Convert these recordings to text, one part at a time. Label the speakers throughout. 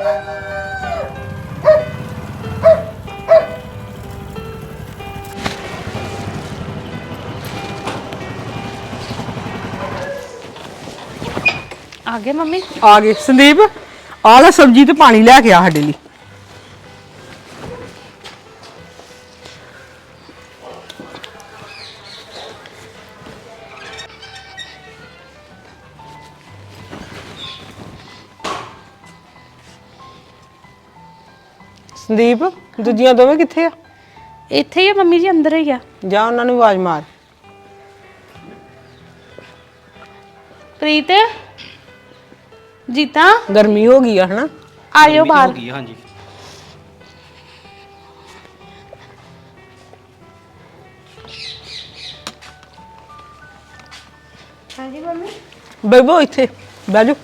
Speaker 1: आ गए मम्मी?
Speaker 2: आ गए संदीप। आ ले सब्जी ते पानी लैके आ साडे लई। संदीप दूजियां दोवें कित्थे आ?
Speaker 1: इत्थे ही मम्मी जी, अंदर ही आ।
Speaker 2: जा उन्हां नूं आवाज मार।
Speaker 1: प्रीत, जीता
Speaker 2: गर्मी हो गई है ना?
Speaker 1: आयो बाहर।
Speaker 3: हाँ जी।
Speaker 1: हाँ जी मम्मी।
Speaker 2: बेबो इत्थे बैठ जा।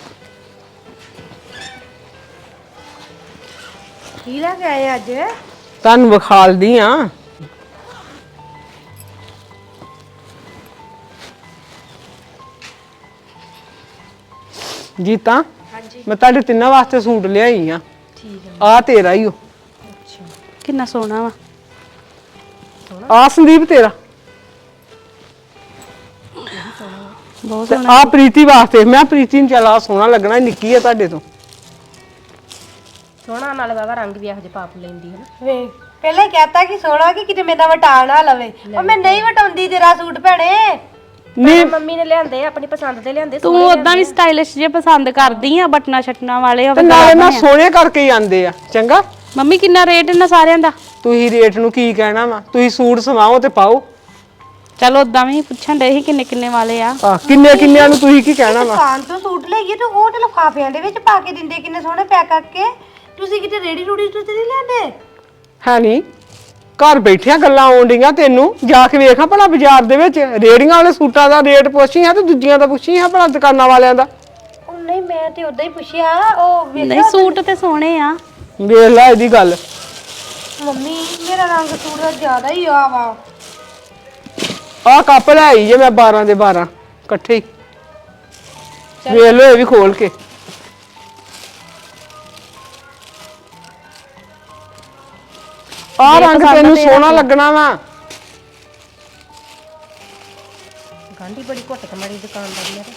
Speaker 1: की लैके आए अज?
Speaker 2: तुहानूं विखालदी आ। जीता मैं तुहाडे तिन्नां वास्ते सूट लियाई आ।
Speaker 1: ठीक है।
Speaker 2: आ तेरा ही हो।
Speaker 1: अच्छा कितना सोहना वा।
Speaker 2: आ संदीप तेरा।
Speaker 1: बहुत
Speaker 2: ते
Speaker 1: सोहना।
Speaker 2: आ प्रीति वास्ते। मैं प्रीति नूं चल आ सोहना लगना, निक्की है तुहाडे तो।
Speaker 4: सोहना नाले बाबा रंग भी ਇਹੋ ਜਿਹੇ ਪਾਪ ਲੈਂਦੀ ਹੈ ਨਾ।
Speaker 5: ਵੇ ਪਹਿਲਾਂ ਹੀ ਕਹਤਾ ਕਿ ਸੋਹਣਾ ਕਿ ਕਿਤੇ ਮੇਰਾ ਵਟਾ ਨਾ ਲਵੇ। ਉਹ ਮੈਂ ਨਹੀਂ ਵਟਾਉਂਦੀ ਤੇਰਾ ਸੂਟ ਭੈਣੇ।
Speaker 2: नहीं
Speaker 4: ਮੰਮੀ ਨੇ ਲਿਆਂਦੇ ਆਪਣੀ ਪਸੰਦ ਦੇ ਲਿਆਂਦੇ।
Speaker 1: तू उदा भी स्टाइलिश जे पसंद करदी आ, बटना शटना वाले
Speaker 2: ते नाले ना सोहने करके ही आंदे आ। चंगा
Speaker 1: मम्मी किन्ना रेट इन्ना सारियां दा?
Speaker 2: तुही रेट नूं की कहना वा? तुही सूट सवाओ ते पाओ।
Speaker 1: चलो उदा भी पुछन दे ही किन्ने किन्ने वाले आ।
Speaker 2: किन्ने किन्ने नूं तुही की कहना वा?
Speaker 5: ਦੁਕਾਨ ਤੋਂ ਸੂਟ ਲਈਏ ਤੇ ਉਹ ਤੇ ਲਿਫਾਫਿਆਂ ਦੇ ਵਿੱਚ ਪਾ ਕੇ ਦਿੰਦੇ ਕਿੰਨੇ ਸੋਹਣੇ ਪੈਕ ਕਰਕੇ। ਤੁਸੀਂ ਕਿਤੇ ਰੇੜੀ ਰੂੜੀ ਤੋਂ ਤੇ ਨਹੀਂ ਲੈਂਦੇ?
Speaker 2: ਹੈ ਨਹੀਂ ਘਰ ਬੈਠਿਆਂ ਗੱਲਾਂ ਆਉਂਦੀਆਂ ਤੈਨੂੰ। ਜਾ ਕੇ ਵੇਖਾਂ ਭਲਾ ਬਾਜ਼ਾਰ ਦੇ ਵਿੱਚ ਰੇੜੀਆਂ ਵਾਲੇ ਸੂਟਾਂ ਦਾ ਰੇਟ ਪੁੱਛੀ ਆ ਤੇ ਦੂਜੀਆਂ ਦਾ ਪੁੱਛੀ ਆ ਭਲਾ ਦੁਕਾਨਾਂ ਵਾਲਿਆਂ ਦਾ।
Speaker 5: ਉਹ ਨਹੀਂ ਮੈਂ ਤੇ ਉਦਾਂ ਹੀ ਪੁੱਛਿਆ। ਉਹ
Speaker 1: नहीं सूट ते सोहने आ।
Speaker 2: ਵੇਖ ਲੈ ਇਹਦੀ ਗੱਲ।
Speaker 5: ਮੰਮੀ ਮੇਰਾ ਰੰਗ ਸੂਟ ਦਾ ਜ਼ਿਆਦਾ ਹੀ ਆ ਵਾ।
Speaker 2: ਆਹ ਕੱਪ ਲੈ ਆਈ ਜੇ ਮੈਂ 12 ਦੇ 12 ਇਕੱਠੇ ਹੀ। ਵੇਖ ਲਓ ਇਹ ਵੀ ਖੋਲ ਕੇ। ਆਹ ਰੰਗ ਤੈਨੂੰ ਸੋਹਣਾ ਲੱਗਣਾ ਵਾ।
Speaker 4: ਗਾਂਢੀ ਬੜੀ ਘੁੱਟ ਕਮਾਰੀ ਦੁਕਾਨਦਾਰ ਨੇ।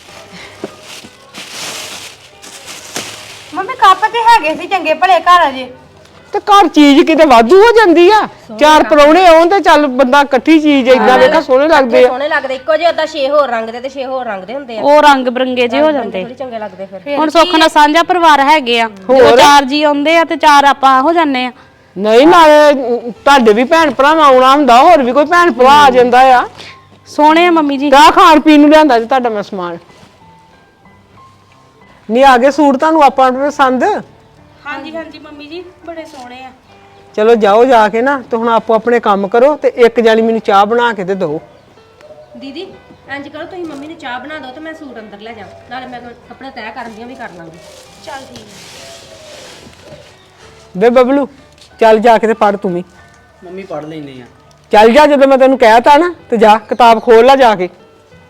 Speaker 5: ਮੰਮੀ ਕੱਪ ਤੇ ਹੈਗੇ ਸੀ ਚੰਗੇ ਭਲੇ ਘਰ ਅਜੇ।
Speaker 2: ਤੇ ਘਰ ਚੀਜ਼ ਕਿਤੇ ਵਾਧੂ ਹੋ ਜਾਂਦੀ ਆ। ਚਾਰ ਪਰੌਣੇ ਆਉਣ ਤੇ ਚੱਲ ਬੰਦਾ ਇਕੱਠੀ ਚੀਜ਼ ਏਦਾਂ ਵੇਖਾ ਸੋਹਣੇ ਲੱਗਦੇ ਆ।
Speaker 4: ਸੋਹਣੇ ਲੱਗਦੇ ਇੱਕੋ ਜਿਹੇ ਉਦਾਂ 6 ਹੋਰ ਰੰਗ ਦੇ ਤੇ 6 ਹੋਰ ਰੰਗ ਦੇ ਹੁੰਦੇ ਆ।
Speaker 1: ਉਹ ਰੰਗ ਬਰੰਗੇ ਜੇ ਹੋ ਜਾਂਦੇ।
Speaker 4: ਥੋੜੀ ਚੰਗੇ ਲੱਗਦੇ ਫਿਰ।
Speaker 1: ਹੁਣ ਸੁੱਖ ਨਾਲ ਸਾਂਝਾ ਪਰਿਵਾਰ ਹੈਗੇ ਆ। ਜਦੋਂ ਚਾਰ ਜੀ ਆਉਂਦੇ ਆ ਤੇ ਚਾਰ ਆਪਾਂ ਹੋ ਜਾਂਦੇ ਆ।
Speaker 2: ਨਹੀਂ ਨਾਲੇ ਤੁਹਾਡੇ ਵੀ ਭੈਣ ਭਰਾ ਆਉਣਾ ਹੁੰਦਾ, ਹੋਰ ਵੀ ਕੋਈ ਭੈਣ ਭਰਾ ਆ ਜਾਂਦਾ ਆ।
Speaker 1: ਸੋਹਣੇ ਆ ਮੰਮੀ ਜੀ।
Speaker 2: ਕਾ ਖਾਣ ਪੀਣ ਨੂੰ ਲਿਆਂਦਾ ਜੀ ਤੁਹਾਡਾ ਮੈਂ ਸਮਾਨ। ਨਹੀਂ ਆ ਗਏ ਸੂਟ ਤੁਹਾਨੂੰ ਆਪਾਂ ਪਸੰਦ?
Speaker 1: ਹਾਂਜੀ ਹਾਂਜੀ ਮੰਮੀ ਜੀ ਬੜੇ ਸੋਹਣੇ ਆ।
Speaker 2: ਚਲੋ ਜਾਓ ਜਾ ਕੇ ਨਾ ਤੇ ਹੁਣ ਆਪੋ ਆਪਣੇ ਕੰਮ ਕਰੋ ਤੇ ਇੱਕ ਜਾਨੀ ਮੈਨੂੰ ਚਾਹ ਬਣਾ ਕੇ ਤੇ ਦਿਓ।
Speaker 4: ਦੀਦੀ ਇੰਜ ਕਰੋ ਤੁਸੀਂ ਮੰਮੀ ਨੂੰ ਚਾਹ ਬਣਾ ਦਿਓ ਤੇ ਮੈਂ ਸੂਟ ਅੰਦਰ ਲੈ ਜਾ। ਨਾਲੇ ਮੈਂ ਕੱਪੜੇ ਤੈਅ ਕਰਨ ਦੀਆਂ ਵੀ ਕਰ ਲਾਂਗੀ।
Speaker 5: ਚੱਲ ਠੀਕ ਹੈ।
Speaker 2: ਬੇ ਬਬਲੂ ਚੱਲ ਜਾ ਕੇ ਤੇ ਪੜ ਤੂੰ ਵੀ।
Speaker 3: ਮੰਮੀ ਪੜ ਲੈਂਦੇ ਆ।
Speaker 2: ਚੱਲ ਜਾ, ਜਦੋਂ ਮੈਂ ਤੈਨੂੰ ਕਹਿਤਾ ਨਾ ਤੇ ਜਾ ਕਿਤਾਬ ਖੋਲ ਲੈ ਜਾ ਕੇ।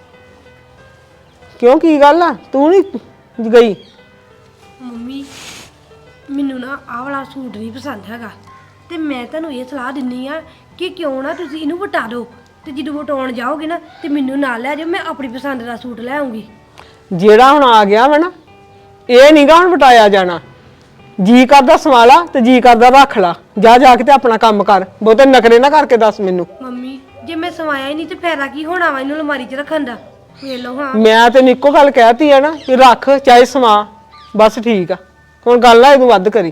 Speaker 2: ਕਿਉਂ ਕੀ ਗੱਲ ਆ ਤੂੰ ਨਹੀਂ ਗਈ?
Speaker 5: ਮੰਮੀ ਮੈਨੂੰ ਨਾ ਆਹ ਵਾਲਾ ਸੂਟ ਨਹੀਂ ਪਸੰਦ ਹੈਗਾ ਤੇ ਮੈਂ ਤੁਹਾਨੂੰ ਇਹ ਸਲਾਹ ਦਿੰਨੀ ਆ ਕਿ ਕਿਉਂ ਨਾ ਤੁਸੀਂ ਇਹਨੂੰ ਵਟਾ ਦਿਓ ਤੇ ਜਦੋਂ ਵਟਾਉਣ ਜਾਓਗੇ ਨਾ ਤੇ ਮੈਨੂੰ ਨਾਲ ਲੈ ਜਾਓ। ਮੈਂ ਆਪਣੀ ਪਸੰਦ ਦਾ ਸੂਟ ਲੈ ਆਉਂਗੀ।
Speaker 2: ਜਿਹੜਾ ਹੁਣ ਆ ਗਿਆ ਵਾ ਨਾ ਇਹ ਨਹੀਂਗਾ ਹੁਣ ਵਟਾਇਆ ਜਾਣਾ। ਜੀ ਕਰਦਾ ਸਵਾਲਾ ਤੇ ਜੀ ਕਰਦਾ ਰੱਖ ਲਾ। ਜਾ ਜਾ ਕੇ ਤੇ ਆਪਣਾ ਕੰਮ ਕਰ। ਬਹੁਤੇ ਨਖਰੇ ਨਾ ਕਰਕੇ ਦੱਸ ਮੈਨੂੰ।
Speaker 5: ਮੰਮੀ ਜੇ ਮੈਂ ਸਵਾਇਆ ਹੀ ਨਹੀਂ ਤੇ ਫਾਇਦਾ ਕੀ ਹੋਣਾ ਵਾ ਇਹਨੂੰ ਅਲਮਾਰੀ 'ਚ ਰੱਖਣ ਦਾ? ਵੇਖ ਲਓ ਹਾਂ।
Speaker 2: ਮੈਂ ਤੈਨੂੰ ਇੱਕੋ ਗੱਲ ਕਹਿਤੀ ਆ ਨਾ ਕਿ ਰੱਖ ਚਾਹੇ ਸਵਾ, ਬਸ ਠੀਕ ਆ। ਹੁਣ ਗੱਲ ਆ ਇਹਨੂੰ ਵੱਧ ਕਰੀ।